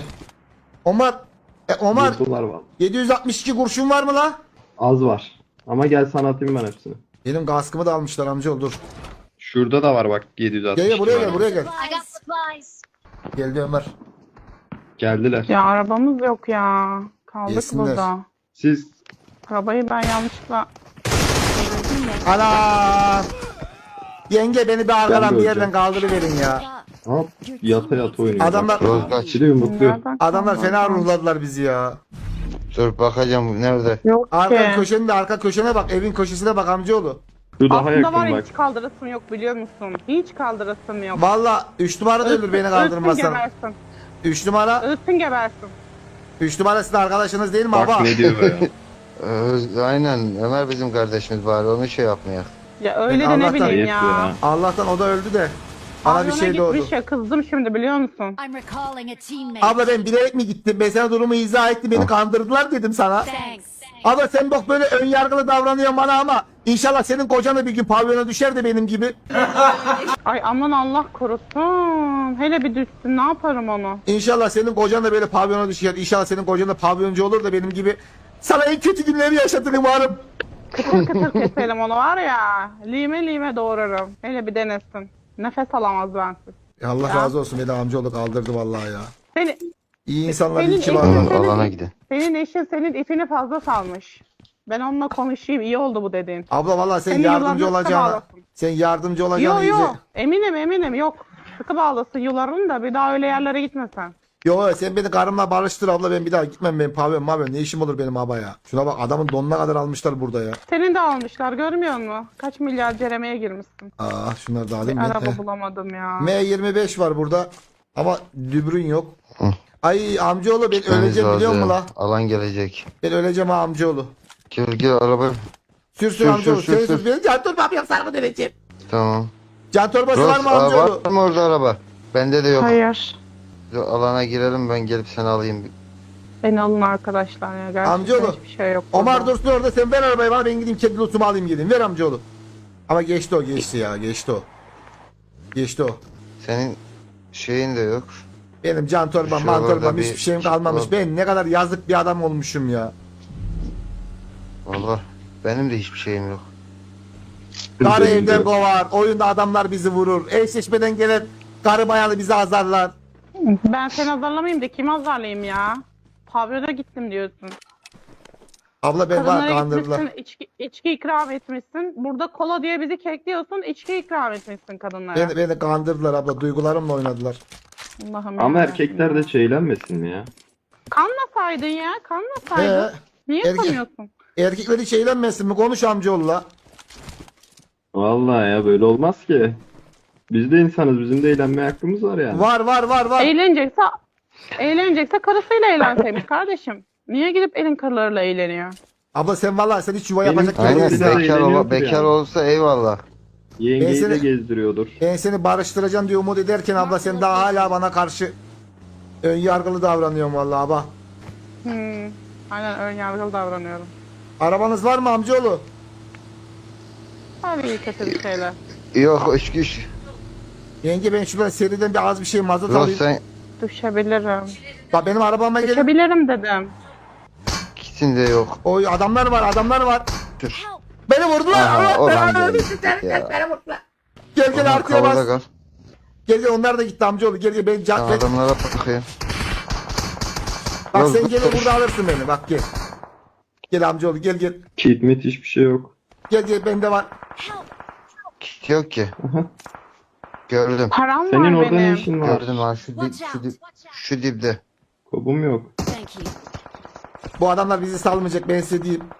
[SPEAKER 1] Ömer
[SPEAKER 7] Vurdular var.
[SPEAKER 1] 762 kurşun var mı la?
[SPEAKER 7] Az var. Ama gel sana atayım ben hepsini.
[SPEAKER 1] Benim kaskımı da almışlar amcaoğlu dur.
[SPEAKER 7] Şurada da var bak 760.
[SPEAKER 1] Gel buraya gel buraya gel.
[SPEAKER 8] I got supplies.
[SPEAKER 1] Geldi Ömer.
[SPEAKER 7] Geldiler.
[SPEAKER 4] Ya arabamız yok ya. Kaldık
[SPEAKER 1] Yesinler.
[SPEAKER 4] burada.
[SPEAKER 7] Siz
[SPEAKER 4] Arabayı ben yanlışlıkla devirdim mi?
[SPEAKER 1] Ana! Yenge beni bir
[SPEAKER 7] Ben
[SPEAKER 1] arkadan
[SPEAKER 7] de
[SPEAKER 1] bir yerden
[SPEAKER 7] öleceğim.
[SPEAKER 1] kaldırıverin ya.
[SPEAKER 7] hop yata yata oynuyor.
[SPEAKER 1] Adamlar-
[SPEAKER 7] Bak.
[SPEAKER 3] Roz kaç.
[SPEAKER 7] İçeri yumrukluyor.
[SPEAKER 4] Nereden
[SPEAKER 1] Adamlar
[SPEAKER 4] kaldı?
[SPEAKER 1] fena ruhladılar bizi ya.
[SPEAKER 3] Dur bakacağım nerede?
[SPEAKER 4] Yok
[SPEAKER 1] Arka
[SPEAKER 4] ki.
[SPEAKER 1] köşenin de arka köşene bak. Evin köşesine bak amcaoğlu.
[SPEAKER 7] Şu daha
[SPEAKER 4] Aslında
[SPEAKER 7] yakın
[SPEAKER 4] var ya
[SPEAKER 7] bak.
[SPEAKER 4] hiç kaldırasım yok biliyor musun? Hiç kaldırasım yok.
[SPEAKER 1] Valla 3 numara da ölür beni
[SPEAKER 4] Ölsün
[SPEAKER 1] kaldırmasan.
[SPEAKER 4] gebersin.
[SPEAKER 1] 3 numara.
[SPEAKER 4] Ölsün gebersin.
[SPEAKER 1] 3 numara sizin arkadaşınız değil mi
[SPEAKER 7] Bak
[SPEAKER 1] baba?
[SPEAKER 7] ne diyor be ya.
[SPEAKER 3] Aynen Ömer bizim kardeşimiz var onu şey yapmaya.
[SPEAKER 4] Ya öyle
[SPEAKER 1] Ben
[SPEAKER 4] de ne
[SPEAKER 1] Allah'tan-
[SPEAKER 4] bileyim
[SPEAKER 7] Ayıp
[SPEAKER 4] ya.
[SPEAKER 7] ya.
[SPEAKER 1] Allah'tan o da öldü de. Bana bir
[SPEAKER 4] Pavyona
[SPEAKER 1] şey doğdu.
[SPEAKER 4] gitmiş ya, kızdım şimdi biliyor musun?
[SPEAKER 8] I'm recalling a teammate.
[SPEAKER 1] Abla ben bilerek mi gittim? Ben sana durumu izah ettim. Beni kandırdılar dedim sana.
[SPEAKER 8] Thanks.
[SPEAKER 1] Abla sen bak böyle ön yargılı davranıyorsun bana ama inşallah senin kocan da bir gün pavyona düşer de benim gibi.
[SPEAKER 4] Ay aman Allah korusun. Hele bir düşsün, ne yaparım onu?
[SPEAKER 1] İnşallah senin kocan da böyle pavyona düşer. İnşallah senin kocan da pavyoncu olur da benim gibi. Sana en kötü günleri yaşatır umarım.
[SPEAKER 4] Kıtır kıtır keselim onu var ya. Lime lime doğrarım. Hele bir denesin. Nefes alamaz bensiz.
[SPEAKER 1] Allah razı olsun beni amcaoğlu kaldırdı vallahi ya.
[SPEAKER 4] Seni,
[SPEAKER 1] İyi insanlar
[SPEAKER 4] Senin
[SPEAKER 1] iyi ki var.
[SPEAKER 4] eşin-
[SPEAKER 3] Alana gidin.
[SPEAKER 4] senin eşin senin ipini fazla salmış. Ben onunla konuşayım, iyi oldu bu dediğin.
[SPEAKER 1] Abla vallahi sen
[SPEAKER 4] Seni
[SPEAKER 1] yardımcı
[SPEAKER 4] yıllardır
[SPEAKER 1] olacağına.
[SPEAKER 4] bağlasın.
[SPEAKER 1] Sen yardımcı olacağına
[SPEAKER 4] Yo
[SPEAKER 1] iyice.
[SPEAKER 4] yo, eminim yok. Sıkı bağlasın yularını da bir daha öyle yerlere gitmesen.
[SPEAKER 1] Yo sen beni karımla barıştır abla ben bir daha gitmem benim pavyon ne işim olur benim aba ya. Şuna bak adamın donuna kadar almışlar burada ya.
[SPEAKER 4] Senin de almışlar, görmüyor musun? Kaç milyar ceremeye girmişsin.
[SPEAKER 1] Şunları da
[SPEAKER 4] Bir
[SPEAKER 1] alayım ben.
[SPEAKER 4] araba bulamadım ya.
[SPEAKER 1] M25 var burada ama dübrün yok. Ay amcaoğlu ben
[SPEAKER 3] Gitmemiz
[SPEAKER 1] öleceğim biliyor musun
[SPEAKER 3] lazım.
[SPEAKER 1] la?
[SPEAKER 3] Alan gelecek.
[SPEAKER 1] Ben öleceğim ha amcaoğlu.
[SPEAKER 3] Gel araba.
[SPEAKER 1] Sür
[SPEAKER 3] Sür,
[SPEAKER 1] amcaoğlu.
[SPEAKER 3] sür,
[SPEAKER 1] Sen
[SPEAKER 3] sür,
[SPEAKER 1] sür.
[SPEAKER 3] sür.
[SPEAKER 1] Benim can torbam yok sargı döneceğim.
[SPEAKER 3] Tamam.
[SPEAKER 1] Can torbası var
[SPEAKER 3] Roz
[SPEAKER 1] mı amcaoğlu?
[SPEAKER 3] var mı orada araba? Bende de yok.
[SPEAKER 4] Hayır.
[SPEAKER 3] Alana girelim ben gelip seni alayım.
[SPEAKER 4] Beni alın arkadaşlar ya. Gerçekten
[SPEAKER 1] Amcaoğlu,
[SPEAKER 4] hiçbir şey yok.
[SPEAKER 1] Omar
[SPEAKER 4] burada.
[SPEAKER 1] dursun orada sen ver arabayı bana ben gideyim kedi lotumu alayım geleyim. Ver amcaoğlu. Ama geçti o geçti ya geçti o. Geçti o.
[SPEAKER 3] Senin şeyin de yok.
[SPEAKER 1] Benim can torbam, man
[SPEAKER 3] Şuralarda
[SPEAKER 1] torbam
[SPEAKER 3] bir-
[SPEAKER 1] hiçbir şeyim kalmamış. Ben ne kadar yazık bir adam olmuşum ya.
[SPEAKER 3] Vallahi benim de hiçbir şeyim yok.
[SPEAKER 1] Karı
[SPEAKER 7] Benim de
[SPEAKER 1] evden
[SPEAKER 7] yok.
[SPEAKER 1] kovar, oyunda adamlar bizi vurur. Eşleşmeden gelen karı bayanı bizi azarlar.
[SPEAKER 4] Ben seni azarlamayayım da kimi azarlayayım ya? Pavyona gittim diyorsun.
[SPEAKER 1] Abla ben var
[SPEAKER 4] Kadınlara
[SPEAKER 1] kandırdılar.
[SPEAKER 4] gitmişsin, içki ikram etmişsin. Burada kola diye bizi kekliyorsun, içki ikram etmişsin kadınlara.
[SPEAKER 1] Beni kandırdılar abla, duygularımla oynadılar.
[SPEAKER 4] Allah'ım
[SPEAKER 7] Ama
[SPEAKER 4] ya.
[SPEAKER 7] erkekler de şeylenmesin mi ya?
[SPEAKER 4] Kanmasaydın ya, kanmasaydın. Niye
[SPEAKER 1] erkek-
[SPEAKER 4] kanıyorsun?
[SPEAKER 1] Erkekleri şeylenmesin mi? Konuş amcaoğlu'la.
[SPEAKER 7] Vallahi ya böyle olmaz ki. Biz de insanız. Bizim de eğlenmeye hakkımız var yani.
[SPEAKER 1] Var.
[SPEAKER 4] Eğlenecekse karısıyla eğlenseymiş kardeşim. Niye gidip elin karılarıyla eğleniyor?
[SPEAKER 1] Abla sen vallahi sen hiç yuva
[SPEAKER 7] Benim-
[SPEAKER 1] yapacak gibi
[SPEAKER 3] Aynen
[SPEAKER 7] Aynen,
[SPEAKER 1] değilsin.
[SPEAKER 7] bekar-
[SPEAKER 3] bekar,
[SPEAKER 7] eğleniyordur
[SPEAKER 3] bekar
[SPEAKER 7] yani.
[SPEAKER 3] olsa eyvallah.
[SPEAKER 7] Yengeyi
[SPEAKER 1] Ben
[SPEAKER 7] de
[SPEAKER 1] seni-
[SPEAKER 7] gezdiriyordur.
[SPEAKER 1] Ben seni barıştıracağım diye umut ederken abla sen daha hala bana karşı ön yargılı davranıyorsun vallahi abla.
[SPEAKER 4] Aynen ön yargılı davranıyorum.
[SPEAKER 1] Arabanız var mı amcaoğlu?
[SPEAKER 4] Hadi iyi kötü bir şeyler.
[SPEAKER 3] Yok iş güç.
[SPEAKER 1] Yenge ben şuradan seriden bir az bir şey mazot
[SPEAKER 3] Roz
[SPEAKER 1] alayım.
[SPEAKER 3] sen
[SPEAKER 4] Düşebilirim.
[SPEAKER 1] Bak benim arabama gelin.
[SPEAKER 4] Düşebilirim dedim.
[SPEAKER 3] gitsin de yok.
[SPEAKER 1] Oy adamlar var.
[SPEAKER 3] Dur.
[SPEAKER 1] Beni vurdular.
[SPEAKER 3] Aha,
[SPEAKER 1] Allah
[SPEAKER 3] o
[SPEAKER 1] belanı
[SPEAKER 3] ben
[SPEAKER 1] versin
[SPEAKER 3] geldim.
[SPEAKER 1] seni.
[SPEAKER 3] Ya.
[SPEAKER 1] Beni vurdular. Gel
[SPEAKER 3] Onlar
[SPEAKER 1] artıya
[SPEAKER 3] kavada
[SPEAKER 1] bas.
[SPEAKER 3] kal.
[SPEAKER 1] Gel onlar da gitti amcaoğlu. Gel ben
[SPEAKER 3] Sen
[SPEAKER 1] can.
[SPEAKER 3] adamlara bakayım.
[SPEAKER 1] Bak
[SPEAKER 3] Roz,
[SPEAKER 1] sen
[SPEAKER 3] dur.
[SPEAKER 1] gelir burada alırsın beni. Bak gel. Gel amcaoğlu gel.
[SPEAKER 7] Kit mit hiçbir şey yok.
[SPEAKER 1] Gel bende var.
[SPEAKER 3] Kit yok ki. Gördüm.
[SPEAKER 4] Param
[SPEAKER 7] Senin
[SPEAKER 4] var
[SPEAKER 7] orada ne
[SPEAKER 4] benim.
[SPEAKER 7] işin var?
[SPEAKER 3] Gördüm ha
[SPEAKER 8] Watch out.
[SPEAKER 3] şu dipde.
[SPEAKER 7] Kobum yok.
[SPEAKER 8] Thank you.
[SPEAKER 1] Bu adamlar bizi salmayacak ben size diyeyim.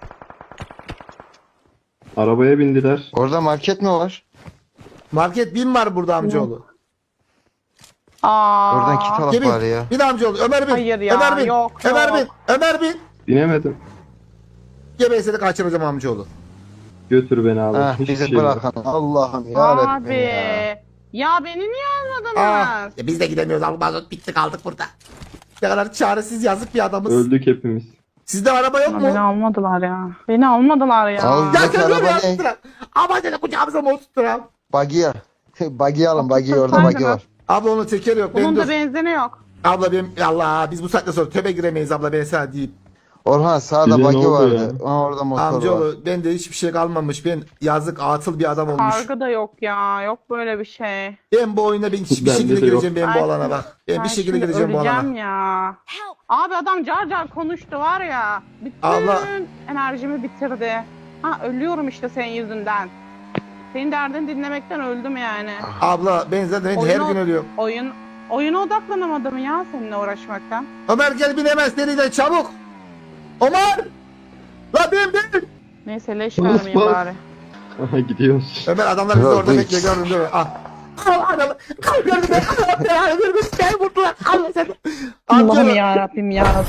[SPEAKER 7] Arabaya bindiler.
[SPEAKER 3] Orada market mi var?
[SPEAKER 1] Market bin var burada amcaoğlu.
[SPEAKER 4] Aa.
[SPEAKER 3] Oradan kit alıp
[SPEAKER 1] Gel
[SPEAKER 3] bari ya.
[SPEAKER 1] bin amcaoğlu. Ömer bin.
[SPEAKER 4] Hayır ya,
[SPEAKER 1] Ömer bin.
[SPEAKER 4] yok,
[SPEAKER 1] Ömer
[SPEAKER 4] yok.
[SPEAKER 1] bin. Ömer bin.
[SPEAKER 7] Binemedim.
[SPEAKER 1] Gel ben seni kaçıracağım amcaoğlu.
[SPEAKER 7] Götür beni abi.
[SPEAKER 3] Ha,
[SPEAKER 7] Hiçbir
[SPEAKER 3] bizi
[SPEAKER 7] şey yok.
[SPEAKER 3] bırakan Allah'ım ya
[SPEAKER 4] Abi.
[SPEAKER 3] ya.
[SPEAKER 4] Ya beni niye almadınız?
[SPEAKER 1] Ya biz de gidemiyoruz abi mazot bitti kaldık burada. Ne kadar çaresiz yazık bir adamız.
[SPEAKER 7] Öldük hepimiz.
[SPEAKER 1] Sizde araba yok mu?
[SPEAKER 4] Beni almadılar ya. Beni almadılar ya.
[SPEAKER 3] Al.
[SPEAKER 1] Ya
[SPEAKER 3] Bizdeki
[SPEAKER 1] sen
[SPEAKER 3] araba
[SPEAKER 1] araba
[SPEAKER 3] ne?
[SPEAKER 1] tutturam. Ama seni kucağımıza mı tutturam?
[SPEAKER 3] Bagiye. Bagiye alın bagiye orada
[SPEAKER 4] Tutsaydınız.
[SPEAKER 3] bagi var.
[SPEAKER 1] Abla onun tekeri yok.
[SPEAKER 4] Bunun
[SPEAKER 1] Ben
[SPEAKER 4] da
[SPEAKER 1] dur.
[SPEAKER 4] benzini yok.
[SPEAKER 1] Abla benim Allah biz bu saatte sonra töbe giremeyiz abla ben sana diyeyim.
[SPEAKER 3] Orhan sağda
[SPEAKER 7] Bize ne
[SPEAKER 3] bagi
[SPEAKER 7] oldu
[SPEAKER 3] vardı. Ha, orada motor var.
[SPEAKER 1] Amcaoğlu bende hiçbir şey kalmamış. Ben yazık atıl bir adam olmuş.
[SPEAKER 4] Kargı da yok ya. Yok böyle bir şey.
[SPEAKER 1] Ben bu oyuna ben hiçbir
[SPEAKER 7] Bende
[SPEAKER 1] şekilde
[SPEAKER 7] de yok.
[SPEAKER 1] gireceğim ben bu alana bak. Ben bir şekilde
[SPEAKER 4] şimdi
[SPEAKER 1] gireceğim bu alana.
[SPEAKER 4] öleceğim ya.
[SPEAKER 8] Help.
[SPEAKER 4] Abi adam car car konuştu var ya. Bütün
[SPEAKER 1] Abla.
[SPEAKER 4] enerjimi bitirdi. Ha ölüyorum işte senin yüzünden. Senin derdini dinlemekten öldüm yani.
[SPEAKER 1] Abla ben zaten her
[SPEAKER 4] Oyunu-
[SPEAKER 1] gün ölüyorum.
[SPEAKER 4] Oyuna odaklanamadım ya seninle uğraşmaktan.
[SPEAKER 1] Ömer gel bin hemen seriden çabuk. Ömer! La bin!
[SPEAKER 4] Neyse leş vermeyeyim bari.
[SPEAKER 7] Aha gidiyoruz.
[SPEAKER 1] Ömer adamlar bizi
[SPEAKER 3] Yok,
[SPEAKER 1] orada
[SPEAKER 3] bu
[SPEAKER 1] bekliyor
[SPEAKER 3] hiç.
[SPEAKER 1] gördün değil mi? Ah. Al adamı. Al gördüm ben. Allah belanı vermesin. Beni vurdular. Allah seni.
[SPEAKER 4] Allah'ım
[SPEAKER 1] Amcaoğlu
[SPEAKER 4] yarabbim ya.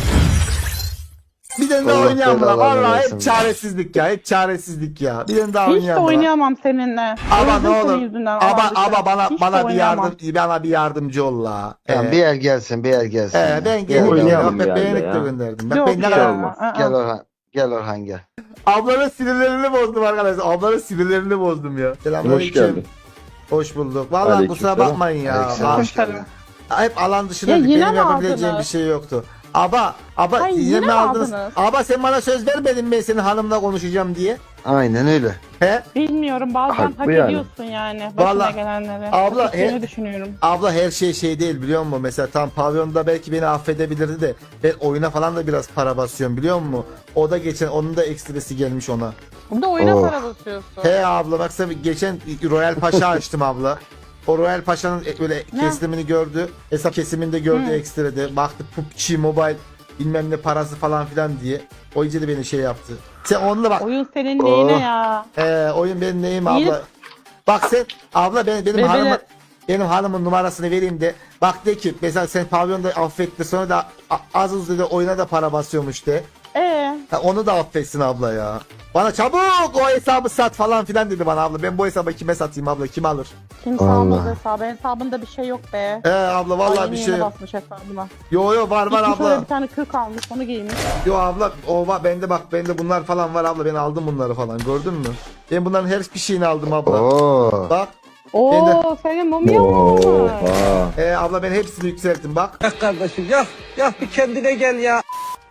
[SPEAKER 1] bir tane daha
[SPEAKER 3] Allah
[SPEAKER 1] oynayalım lan.
[SPEAKER 3] belanı
[SPEAKER 1] Valla
[SPEAKER 3] versin.
[SPEAKER 1] hep çaresizlik ya. Hep çaresizlik ya. Bir tane daha
[SPEAKER 4] Hiç de
[SPEAKER 1] oynayalım lan.
[SPEAKER 4] oynayamam seninle.
[SPEAKER 1] Ama
[SPEAKER 4] Öldüm
[SPEAKER 1] ne
[SPEAKER 4] senin
[SPEAKER 1] olur.
[SPEAKER 4] yüzünden,
[SPEAKER 1] Ama
[SPEAKER 4] Allah'ım
[SPEAKER 1] ama bana
[SPEAKER 4] Hiç de
[SPEAKER 1] bana bir
[SPEAKER 4] oynayamam.
[SPEAKER 1] bana bir yardımcı ol la.
[SPEAKER 3] Tamam, bir el gelsin, bir el gelsin.
[SPEAKER 1] Ben geldim.
[SPEAKER 7] Oynayalım
[SPEAKER 1] Ben
[SPEAKER 7] bir yerde
[SPEAKER 1] beğenip de
[SPEAKER 7] ya.
[SPEAKER 1] gönderdim. Bak
[SPEAKER 4] Yok
[SPEAKER 1] ben ne
[SPEAKER 4] ya.
[SPEAKER 1] kadar
[SPEAKER 7] olmaz.
[SPEAKER 3] Gel Orhan. Gel Orhan gel.
[SPEAKER 1] ablanın sinirlerini bozdum arkadaşlar. Ablanın sinirlerini bozdum ya.
[SPEAKER 7] Hoş
[SPEAKER 1] Selamünaleyküm.
[SPEAKER 7] geldin.
[SPEAKER 1] Hoş bulduk. Vallahi
[SPEAKER 7] Aleyküm
[SPEAKER 1] kusura
[SPEAKER 7] selam.
[SPEAKER 1] bakmayın ya.
[SPEAKER 3] Aleykümselam, hoş
[SPEAKER 4] Tabii.
[SPEAKER 3] geldin.
[SPEAKER 1] Hep alan dışında
[SPEAKER 4] Ya yine
[SPEAKER 1] benim
[SPEAKER 4] mi
[SPEAKER 1] yapabileceğim bir
[SPEAKER 4] aldınız?
[SPEAKER 1] şey yoktu. Aba
[SPEAKER 4] Hayır,
[SPEAKER 1] yine
[SPEAKER 4] yine
[SPEAKER 1] mi
[SPEAKER 4] mi
[SPEAKER 1] aldınız?
[SPEAKER 4] aldınız?
[SPEAKER 1] Aba sen bana söz vermedin ben senin hanımla konuşacağım diye.
[SPEAKER 3] Aynen öyle.
[SPEAKER 1] He?
[SPEAKER 4] Bilmiyorum bazen
[SPEAKER 7] Haklı
[SPEAKER 4] hak
[SPEAKER 7] yani.
[SPEAKER 4] ediyorsun yani. Başına
[SPEAKER 1] Vallahi-
[SPEAKER 4] gelenleri.
[SPEAKER 1] Abla,
[SPEAKER 4] Hak ettiğini düşünüyorum.
[SPEAKER 1] Abla her şey değil biliyor musun? Mesela tam pavyonda belki beni affedebilirdi de ben oyuna falan da biraz para basıyorum biliyor musun? O da geçen onun da ekstresi gelmiş ona.
[SPEAKER 4] Burada oyuna
[SPEAKER 3] Oh.
[SPEAKER 4] para basıyorsun.
[SPEAKER 1] He abla baksana geçen Royal Paşa açtım abla. O Royal Paşa'nın böyle kesimini gördü. Hesap kesiminde gördü ekstrede. Baktı PUBG Mobile bilmem ne parası falan filan diye. O iyice de beni şey yaptı. Sen onunla bak.
[SPEAKER 4] Oyun senin neyine
[SPEAKER 3] Oh.
[SPEAKER 4] ya?
[SPEAKER 1] Oyun benim neyim
[SPEAKER 4] İyi.
[SPEAKER 1] abla. Bak sen abla benim
[SPEAKER 4] Bebeler-
[SPEAKER 1] hanımın numarasını vereyim de bak de ki mesela sen pavyonda affetti sonra da az uz dedi oyuna da para basıyormuş de. Onu da affetsin abla ya. Bana çabuk o hesabı sat falan filan dedi bana abla. Ben bu hesabı kime satayım abla kim alır?
[SPEAKER 4] Kimse
[SPEAKER 3] Allah.
[SPEAKER 4] almaz hesabı. Hesabında bir şey yok be.
[SPEAKER 1] Abla vallahi
[SPEAKER 4] Ay,
[SPEAKER 1] bir
[SPEAKER 4] yeni
[SPEAKER 1] şey
[SPEAKER 4] yeni
[SPEAKER 1] yok.
[SPEAKER 4] basmış hesabına.
[SPEAKER 1] Yo var
[SPEAKER 4] Gitmiş
[SPEAKER 1] abla.
[SPEAKER 4] öyle bir tane kırk almış onu giymiş.
[SPEAKER 1] Yo abla o var bende bak bende bunlar falan var abla ben aldım bunları falan gördün mü? Ben bunların her bir şeyini aldım abla.
[SPEAKER 3] Oo.
[SPEAKER 1] Bak
[SPEAKER 4] Oo senin mumya mı olmuş?
[SPEAKER 7] Oha.
[SPEAKER 1] abla ben hepsini yükselttim bak.
[SPEAKER 5] Kardeşim ya bir kendine gel ya.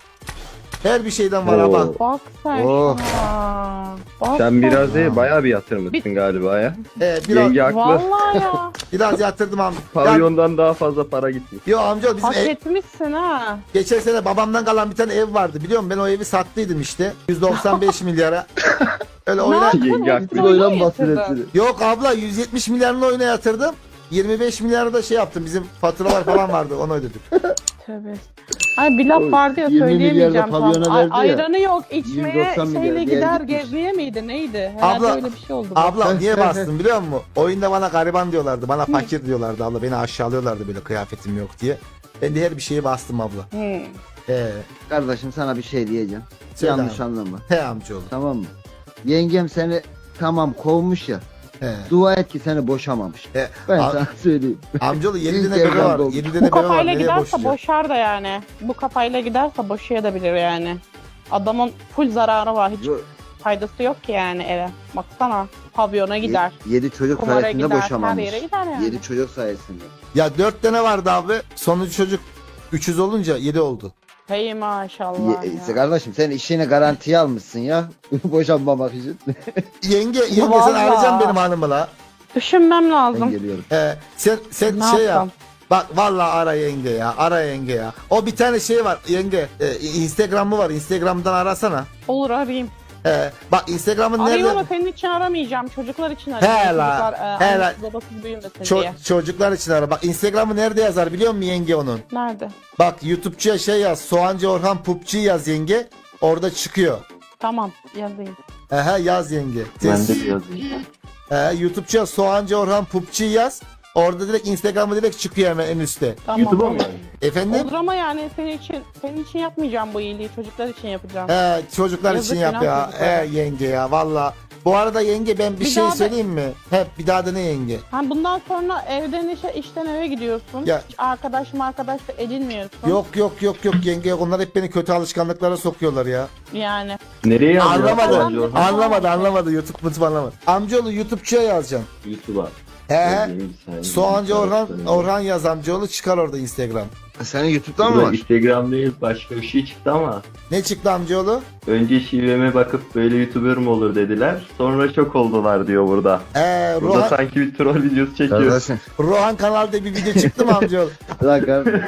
[SPEAKER 1] Her bir şeyden var
[SPEAKER 7] Oo.
[SPEAKER 1] abla.
[SPEAKER 4] Bak sen
[SPEAKER 3] Oh.
[SPEAKER 4] şuna. Bak
[SPEAKER 7] Sen biraz
[SPEAKER 4] sen.
[SPEAKER 7] değil bayağı bir yatırmışsın galiba ya.
[SPEAKER 1] Biraz,
[SPEAKER 7] Yenge haklı.
[SPEAKER 4] Vallahi ya.
[SPEAKER 1] biraz yatırdım amca.
[SPEAKER 7] Pavyondan daha fazla para gitmiş.
[SPEAKER 1] Yo amca bizim
[SPEAKER 4] Hak etmişsin ha.
[SPEAKER 1] geçen sene babamdan kalan bir tane ev vardı biliyor musun? Ben o evi sattıydım işte. 195 milyara. Öyle
[SPEAKER 4] Ne
[SPEAKER 1] oyna.
[SPEAKER 4] yaptın?
[SPEAKER 7] Yenge
[SPEAKER 4] Hepsini
[SPEAKER 7] haklı.
[SPEAKER 4] oyuna
[SPEAKER 3] Oynan
[SPEAKER 4] mı yatırdın?
[SPEAKER 3] bahsedersin.
[SPEAKER 1] Yok abla 170 milyarını oyuna yatırdım. 25 milyarı da şey yaptım. Bizim faturalar falan vardı. Onu ödedik.
[SPEAKER 4] Tövbe. Ay bir laf vardı ya
[SPEAKER 3] 20
[SPEAKER 4] söyleyemeyeceğim
[SPEAKER 3] milyar da
[SPEAKER 4] tam.
[SPEAKER 3] pavyona verdi ya.
[SPEAKER 4] Ayranı yok içmeye
[SPEAKER 3] 190 milyar
[SPEAKER 4] şeyle
[SPEAKER 3] diğer
[SPEAKER 4] gider
[SPEAKER 3] gitmiş.
[SPEAKER 4] gezmeye miydi neydi? Herhalde
[SPEAKER 1] Abla-
[SPEAKER 4] öyle bir şey oldu.
[SPEAKER 1] Abla niye bastın biliyor musun? Oyunda bana gariban diyorlardı. Bana fakir diyorlardı abla. Beni aşağılıyorlardı böyle kıyafetim yok diye. Ben de her bir şeye bastım abla.
[SPEAKER 3] Kardeşim sana bir şey diyeceğim.
[SPEAKER 1] Söyle
[SPEAKER 3] Yanlış
[SPEAKER 1] abi.
[SPEAKER 3] anlama.
[SPEAKER 1] He amcaoğlu.
[SPEAKER 3] Tamam mı? Yengem seni tamam kovmuş ya.
[SPEAKER 1] He.
[SPEAKER 3] Dua et ki seni boşamamış.
[SPEAKER 1] He.
[SPEAKER 3] Ben
[SPEAKER 1] A-
[SPEAKER 3] sana söyleyeyim.
[SPEAKER 1] Amcaoğlu 7
[SPEAKER 3] İlk
[SPEAKER 1] tane bebe
[SPEAKER 3] evden
[SPEAKER 1] var.
[SPEAKER 3] doğmuş.
[SPEAKER 1] 7
[SPEAKER 4] Bu
[SPEAKER 1] tane bebe var.
[SPEAKER 4] kafayla
[SPEAKER 1] Nereye
[SPEAKER 4] giderse
[SPEAKER 1] boşayacak?
[SPEAKER 4] boşar da yani. Bu kafayla giderse boşayabilir yani. Adamın full zararı var. Hiç faydası yok ki yani eve. Baksana pavyona gider.
[SPEAKER 3] 7 çocuk
[SPEAKER 4] Kumara
[SPEAKER 3] sayesinde
[SPEAKER 4] gider. Her
[SPEAKER 3] boşamamış.
[SPEAKER 4] yere gider yani.
[SPEAKER 3] 7 çocuk sayesinde.
[SPEAKER 1] Ya 4 tane vardı abi. Sonuncu çocuk 300 olunca 7 oldu.
[SPEAKER 4] Hey maşallah
[SPEAKER 3] İşte
[SPEAKER 4] ya.
[SPEAKER 3] kardeşim sen işini garantiye almışsın ya. Boşanmamak için.
[SPEAKER 1] Yenge sen
[SPEAKER 4] Vallahi.
[SPEAKER 1] arayacaksın benim hanımı la.
[SPEAKER 4] Düşünmem
[SPEAKER 3] Ben
[SPEAKER 4] lazım.
[SPEAKER 3] geliyorum.
[SPEAKER 1] Sen
[SPEAKER 4] Ne
[SPEAKER 1] şey
[SPEAKER 4] yapsam?
[SPEAKER 1] yap. Bak vallahi ara yenge ya. Ara yenge ya. O bir tane şey var yenge. Instagram'ı var. Instagram'dan arasana.
[SPEAKER 4] Olur arayayım.
[SPEAKER 1] Bak Instagram'ın
[SPEAKER 4] Arayayım
[SPEAKER 1] nerede?
[SPEAKER 4] ama senin için aramayacağım. Çocuklar için arayacağım.
[SPEAKER 1] He la,
[SPEAKER 4] Çocuklar
[SPEAKER 1] he la.
[SPEAKER 4] annesiz babasız büyümesin diye.
[SPEAKER 1] Çocuklar için ara. Bak Instagram'ı nerede yazar biliyor musun yenge onun?
[SPEAKER 4] Nerede?
[SPEAKER 1] Bak YouTube'cuya şey yaz. Soğancı Orhan PUBG yaz yenge. Orada çıkıyor.
[SPEAKER 4] Tamam yazayım.
[SPEAKER 1] Yaz yenge.
[SPEAKER 7] Ben de yazayım.
[SPEAKER 1] YouTube'cuya Soğancı Orhan PUBG yaz. Orada direkt Instagram'ı direkt çıkıyor hemen en üstte.
[SPEAKER 4] Tamam.
[SPEAKER 7] YouTube'a mı yani?
[SPEAKER 1] Efendim?
[SPEAKER 4] Olur ama yani senin için yapmayacağım bu iyiliği. Çocuklar için yapacağım.
[SPEAKER 1] Çocuklar
[SPEAKER 4] Yazık
[SPEAKER 1] için yap
[SPEAKER 4] günah
[SPEAKER 1] ya.
[SPEAKER 4] çocuklara.
[SPEAKER 1] Yenge ya valla. Bu arada yenge ben bir
[SPEAKER 4] Bir
[SPEAKER 1] şey
[SPEAKER 4] daha da-
[SPEAKER 1] söyleyeyim mi? Hep bir daha da ne yenge?
[SPEAKER 4] Ha, bundan sonra evden işe, işten eve gidiyorsun.
[SPEAKER 1] Ya-
[SPEAKER 4] Hiç arkadaş da edinmiyorsun.
[SPEAKER 1] Yok yenge onlar hep beni kötü alışkanlıklara sokuyorlar ya.
[SPEAKER 4] Yani.
[SPEAKER 7] Nereye yazacağız?
[SPEAKER 1] Anlamadı.
[SPEAKER 7] Soğancı Orhan?
[SPEAKER 1] Anlamadı. YouTube mutlu anlamadı. Amcaoğlu YouTube'cuya yazacaksın.
[SPEAKER 7] YouTube'a.
[SPEAKER 1] He.
[SPEAKER 7] Yazayım bir saniye.
[SPEAKER 1] Soğancı Orhan yaz amcaoğlu çıkar orada Instagram.
[SPEAKER 3] Senin YouTube'dan mı
[SPEAKER 7] Burada
[SPEAKER 3] var?
[SPEAKER 7] Instagram değil başka bir şey çıktı ama.
[SPEAKER 1] Ne çıktı amcaoğlu?
[SPEAKER 7] Önce şiveme bakıp böyle YouTuber mı olur dediler. Sonra çok oldular diyor burada. Burada sanki bir troll videosu çekiyor.
[SPEAKER 3] Kardeşim.
[SPEAKER 1] Rohan kanalda bir video çıktı mı amcaoğlu?
[SPEAKER 3] Lan kardeşim.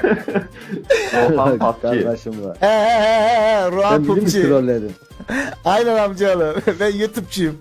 [SPEAKER 7] Orhan PUBG.
[SPEAKER 3] Kardeşim var.
[SPEAKER 1] Rohan
[SPEAKER 3] Sen bizi mi
[SPEAKER 1] PUBG.
[SPEAKER 3] trolledin?
[SPEAKER 1] Aynen amcaoğlu. Ben YouTube'cuyum.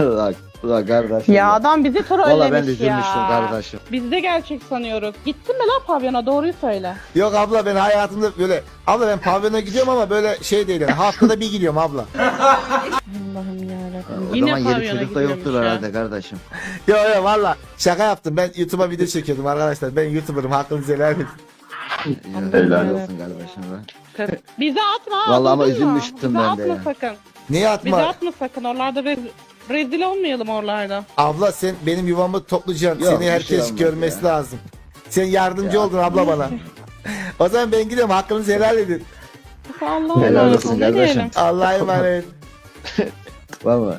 [SPEAKER 3] Lan kardeşim.
[SPEAKER 4] Ya adam bizi
[SPEAKER 3] Valla ben de
[SPEAKER 4] trollemiş
[SPEAKER 3] üzülmüştüm
[SPEAKER 4] ya.
[SPEAKER 3] kardeşim.
[SPEAKER 4] Biz de gerçek sanıyoruz. Gittin mi lan pavyona doğruyu söyle.
[SPEAKER 1] Yok abla ben hayatımda böyle abla ben pavyona gidiyorum ama böyle şey değil yani haftada bir gidiyorum abla.
[SPEAKER 4] Allah'ım yarabbim. Yine
[SPEAKER 3] zaman yedi
[SPEAKER 4] pavyona
[SPEAKER 3] çocuk da yoktur
[SPEAKER 4] gidiyormuş ya.
[SPEAKER 3] herhalde kardeşim.
[SPEAKER 1] Yo yo valla şaka yaptım. Ben YouTube'a video çekiyordum arkadaşlar. Ben YouTuber'ım. Hakkınızı helal edin.
[SPEAKER 3] Helal olsun kardeşim be.
[SPEAKER 4] Bize atma.
[SPEAKER 3] Vallahi ama
[SPEAKER 4] duydun mu?
[SPEAKER 3] üzülmüştüm
[SPEAKER 4] Bize
[SPEAKER 3] ben de
[SPEAKER 4] atma
[SPEAKER 3] ya.
[SPEAKER 4] sakın.
[SPEAKER 1] Niye atma?
[SPEAKER 4] Bize atma sakın. Oralarda rezil olmayalım oralarda.
[SPEAKER 1] Abla sen benim yuvamı toplayacaksın.
[SPEAKER 3] Yok,
[SPEAKER 1] Seni
[SPEAKER 3] bir şey
[SPEAKER 1] herkes
[SPEAKER 3] olmaz
[SPEAKER 1] görmesi
[SPEAKER 3] ya.
[SPEAKER 1] lazım. Sen yardımcı
[SPEAKER 3] Ya.
[SPEAKER 1] oldun abla bana. O zaman ben gidiyorum. Hakkınızı helal edin.
[SPEAKER 4] Allah
[SPEAKER 3] Helal
[SPEAKER 4] Allah.
[SPEAKER 3] olsun
[SPEAKER 4] Ne
[SPEAKER 3] kardeşim.
[SPEAKER 4] diyelim?
[SPEAKER 1] Allah'a emanet.
[SPEAKER 3] Valla.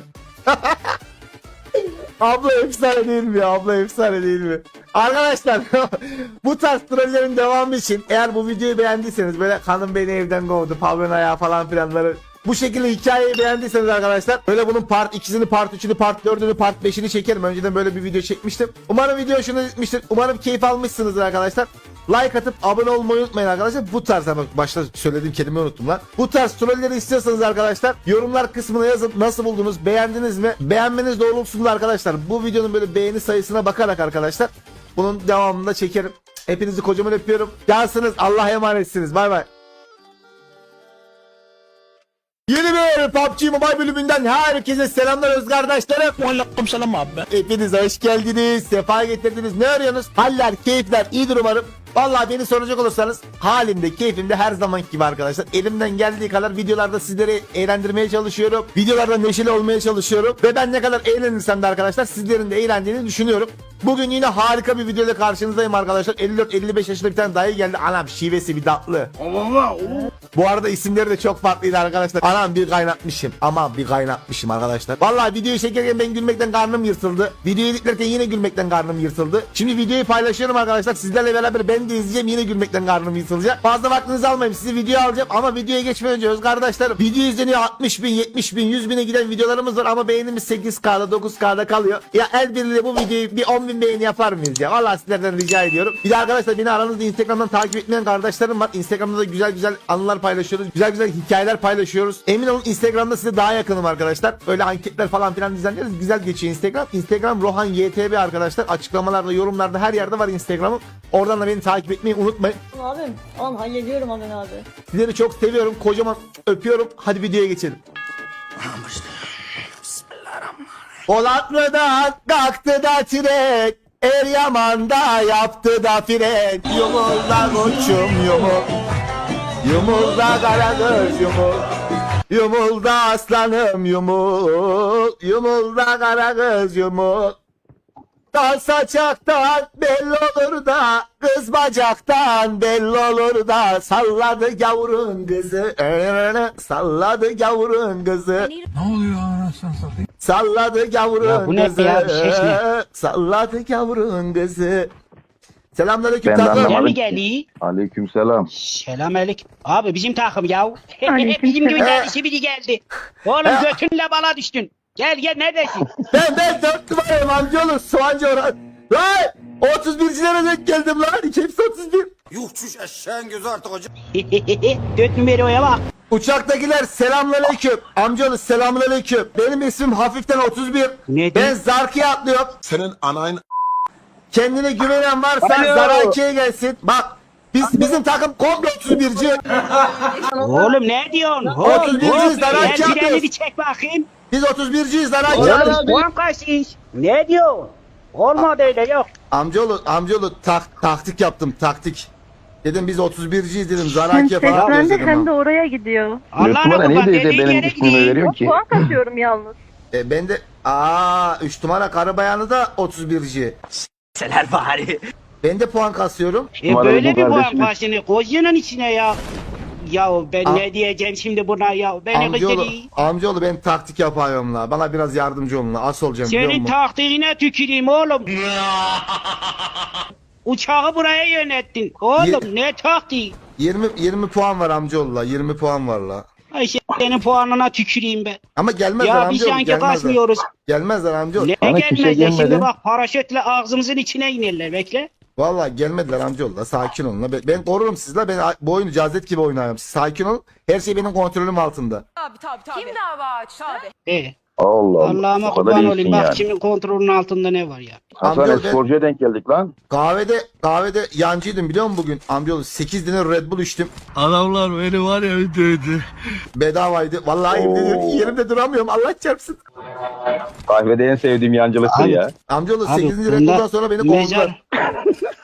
[SPEAKER 1] Abla efsane değil mi ya? Abla efsane değil mi? Arkadaşlar bu tarz trollerin devamı için eğer bu videoyu beğendiyseniz böyle hanım beni evden kovdu, pavyon ayağı falan filanları bu şekilde hikayeyi beğendiyseniz arkadaşlar böyle bunun part 2'sini, part 3'ünü, part 4'ünü, part 5'ini çekerim. Önceden böyle bir video çekmiştim. Umarım video hoşunuza gitmiştir. Umarım keyif almışsınızdır arkadaşlar. Like atıp abone olmayı unutmayın arkadaşlar. Bu tarz ama başta söylediğim kelimeyi unuttum lan. Bu tarz trolleri istiyorsanız arkadaşlar yorumlar kısmına yazın. Nasıl buldunuz? Beğendiniz mi? Beğenmeniz doğrultusunda arkadaşlar bu videonun böyle beğeni sayısına bakarak arkadaşlar bunun devamında çekerim. Hepinizi kocaman öpüyorum. Cansınız. Allah'a emanetsiniz. Bay bay. Yeni bir PUBG Mobile bölümünden herkese selamlar öz kardeşlerim.
[SPEAKER 9] Aleyküm selam abi.
[SPEAKER 1] Hepiniz hoş geldiniz. Sefa getirdiniz. Ne arıyorsunuz? Haller, keyifler iyidir umarım. Vallahi beni soracak olursanız halimde, keyfimde her zamanki gibi arkadaşlar. Elimden geldiği kadar videolarda sizleri eğlendirmeye çalışıyorum. Videolarda neşeli olmaya çalışıyorum. Ve ben ne kadar eğlenirsem de arkadaşlar sizlerin de eğlendiğini düşünüyorum. Bugün yine harika bir videoyla karşınızdayım arkadaşlar. 54-55 yaşında bir tane dayı geldi. Anam şivesi bir tatlı. Bu arada isimleri de çok farklıydı arkadaşlar. Anam bir kaynatmışım. Aman bir kaynatmışım arkadaşlar. Vallahi videoyu çekerken ben gülmekten karnım yırtıldı. Videoyu editlerken yine gülmekten karnım yırtıldı. Şimdi videoyu paylaşıyorum arkadaşlar. Sizlerle beraber ben de izleyeceğim. Yine gülmekten karnım yırtılacak. Fazla vaktinizi almayayım. Sizi videoya alacağım. Ama videoya geçmeden önce öz kardeşlerim. Video izleniyor 60 bin, 70 bin, 100 bine giden videolarımız var. Ama beğenimiz 8K'da 9K'da kalıyor. Ya el birliğiyle bu videoyu bir 10 bin beğeni yapar mıyız ya? Vallahi sizlerden rica ediyorum. Bir de arkadaşlar beni aranızda Instagram'dan takip etmeyen kardeşlerim var. Instagram'da da güzel güzel anılar paylaşıyoruz. Güzel güzel hikayeler paylaşıyoruz. Emin olun Instagram'da size daha yakınım arkadaşlar. Öyle anketler falan filan düzenleriz. Güzel geçiyor Instagram. Instagram Rohan YTB arkadaşlar. Açıklamalarda, yorumlarda her yerde var Instagram'ım. Oradan da beni takip etmeyi unutmayın.
[SPEAKER 10] Abim, tamam hallediyorum Amin abi.
[SPEAKER 1] Sizleri çok seviyorum. Kocaman öpüyorum. Hadi videoya geçelim. Polatlı'dan kalktı da tren, Eryaman'da yaptı da fren. Yumulda koçum yumul, yumulda karagöz yumul, yumulda aslanım yumul, yumulda karagöz yumul. Dal saçaktan belli olur da, kız bacaktan belli olur da, salladı gavurun kızı, salladı gavurun kızı. Salladı gavurun kızı, salladı gavurun kızı. Selamünaleyküm
[SPEAKER 7] Ben de
[SPEAKER 1] takım.
[SPEAKER 7] anlamadım.
[SPEAKER 9] Mi geliyor?
[SPEAKER 7] Aleykümselam.
[SPEAKER 9] Selamünaleyküm. Abi bizim takım ya. Bizim gibi geldi biri geldi. Oğlum götünle bala düştün. Gel gel neredesin?
[SPEAKER 1] Ben 4 numarayım amcaoğlu, soğancı Orhan. Lan 31'cilere denk geldim lan, hepsi 31.
[SPEAKER 11] Yuh çüş eşeğin gözü artık hocam.
[SPEAKER 9] 4 numaraya bak.
[SPEAKER 1] Uçaktakiler selamünaleyküm. Amcaoğlu selamünaleyküm. Benim ismim hafiften 31.
[SPEAKER 9] Ne
[SPEAKER 1] Ben
[SPEAKER 9] diyor?
[SPEAKER 1] Zarki'ye atlıyorum.
[SPEAKER 11] Senin anayın
[SPEAKER 1] Kendine güvenen varsa
[SPEAKER 7] Alo.
[SPEAKER 1] Zaraki'ye gelsin. Bak bizim takım komple 31'ci.
[SPEAKER 9] Oğlum ne diyorsun?
[SPEAKER 1] 31'ciyiz Zaraki
[SPEAKER 9] Gel freni
[SPEAKER 1] atıyoruz.
[SPEAKER 9] bir çek bakayım.
[SPEAKER 1] Biz 31'ciyiz Zaraki
[SPEAKER 9] Oğlum
[SPEAKER 1] atıyoruz.
[SPEAKER 9] puan kaçmış? Ne diyor? Olmadı öyle yok.
[SPEAKER 1] Amcaoğlu taktik yaptım taktik. Dedim biz 31'ciyiz dedim Zaraki falan atıyoruz dedim.
[SPEAKER 10] hem de oraya gidiyor.
[SPEAKER 9] Allah'ına kurban dediğin yere gideyim.
[SPEAKER 7] ki?
[SPEAKER 10] Puan katıyorum yalnız.
[SPEAKER 1] Ben de 3 numara karı bayanı da 31'ci.
[SPEAKER 9] Seler bari.
[SPEAKER 1] Ben de puan kasıyorum.
[SPEAKER 7] Numaralı
[SPEAKER 9] Böyle
[SPEAKER 7] bu
[SPEAKER 9] bir puan
[SPEAKER 7] kardeşimiz.
[SPEAKER 9] kaçını koyuyorsun içine ya. Ya ben ne diyeceğim şimdi buna ya? Beni kızdırıyor.
[SPEAKER 1] Amcaoğlu ben taktik yapıyorum la. Bana biraz yardımcı olun la. Asıl olacağım biliyor
[SPEAKER 9] Senin
[SPEAKER 1] musun?
[SPEAKER 9] taktiğine tüküreyim oğlum. Uçağı buraya yönettin. Oğlum ne taktiği?
[SPEAKER 1] 20 puan var amcaoğlu la. 20 puan var la.
[SPEAKER 9] Ay senin puanına tüküreyim ben.
[SPEAKER 1] Ama gelmezler
[SPEAKER 9] Ya biz
[SPEAKER 1] amcaoğlu.
[SPEAKER 9] sanki
[SPEAKER 1] Gelmezler.
[SPEAKER 9] kaçmıyoruz.
[SPEAKER 1] Gelmezler amcaoğlu.
[SPEAKER 9] Ne
[SPEAKER 7] Bana kimse
[SPEAKER 9] gelmezler şimdi
[SPEAKER 7] gelmedi.
[SPEAKER 9] bak paraşütle ağzımızın içine inerler bekle.
[SPEAKER 1] Vallahi gelmediler amcaoğlu la. Sakin olun la. Ben korurum sizi la. Ben bu oyunu cazet gibi oynuyorum. Siz sakin olun. Her şey benim kontrolüm altında.
[SPEAKER 8] Kim dava açtı?
[SPEAKER 7] Allah Allah.
[SPEAKER 9] Allah'ıma
[SPEAKER 7] O kadar
[SPEAKER 9] kurban
[SPEAKER 7] iyisin
[SPEAKER 9] olayım bak
[SPEAKER 7] yani.
[SPEAKER 9] kimin kontrolünün altında ne var ya.
[SPEAKER 7] Hasan
[SPEAKER 1] Amcaoğlu ben
[SPEAKER 7] sporcuya denk geldik lan.
[SPEAKER 1] kahvede yancıydım biliyor musun bugün? Amcaoğlu 8 tane Red Bull içtim.
[SPEAKER 2] Adamlar beni var ya öldürdü.
[SPEAKER 1] Bedavaydı. Vallahi yerimde duramıyorum. Allah çarpsın.
[SPEAKER 7] Kahvede en sevdiğim yancılıktır
[SPEAKER 9] Abi,
[SPEAKER 7] ya.
[SPEAKER 1] Amcaoğlu
[SPEAKER 9] Abi,
[SPEAKER 1] 8.
[SPEAKER 9] bunda
[SPEAKER 1] rekordan sonra beni kovdular.
[SPEAKER 9] mezar-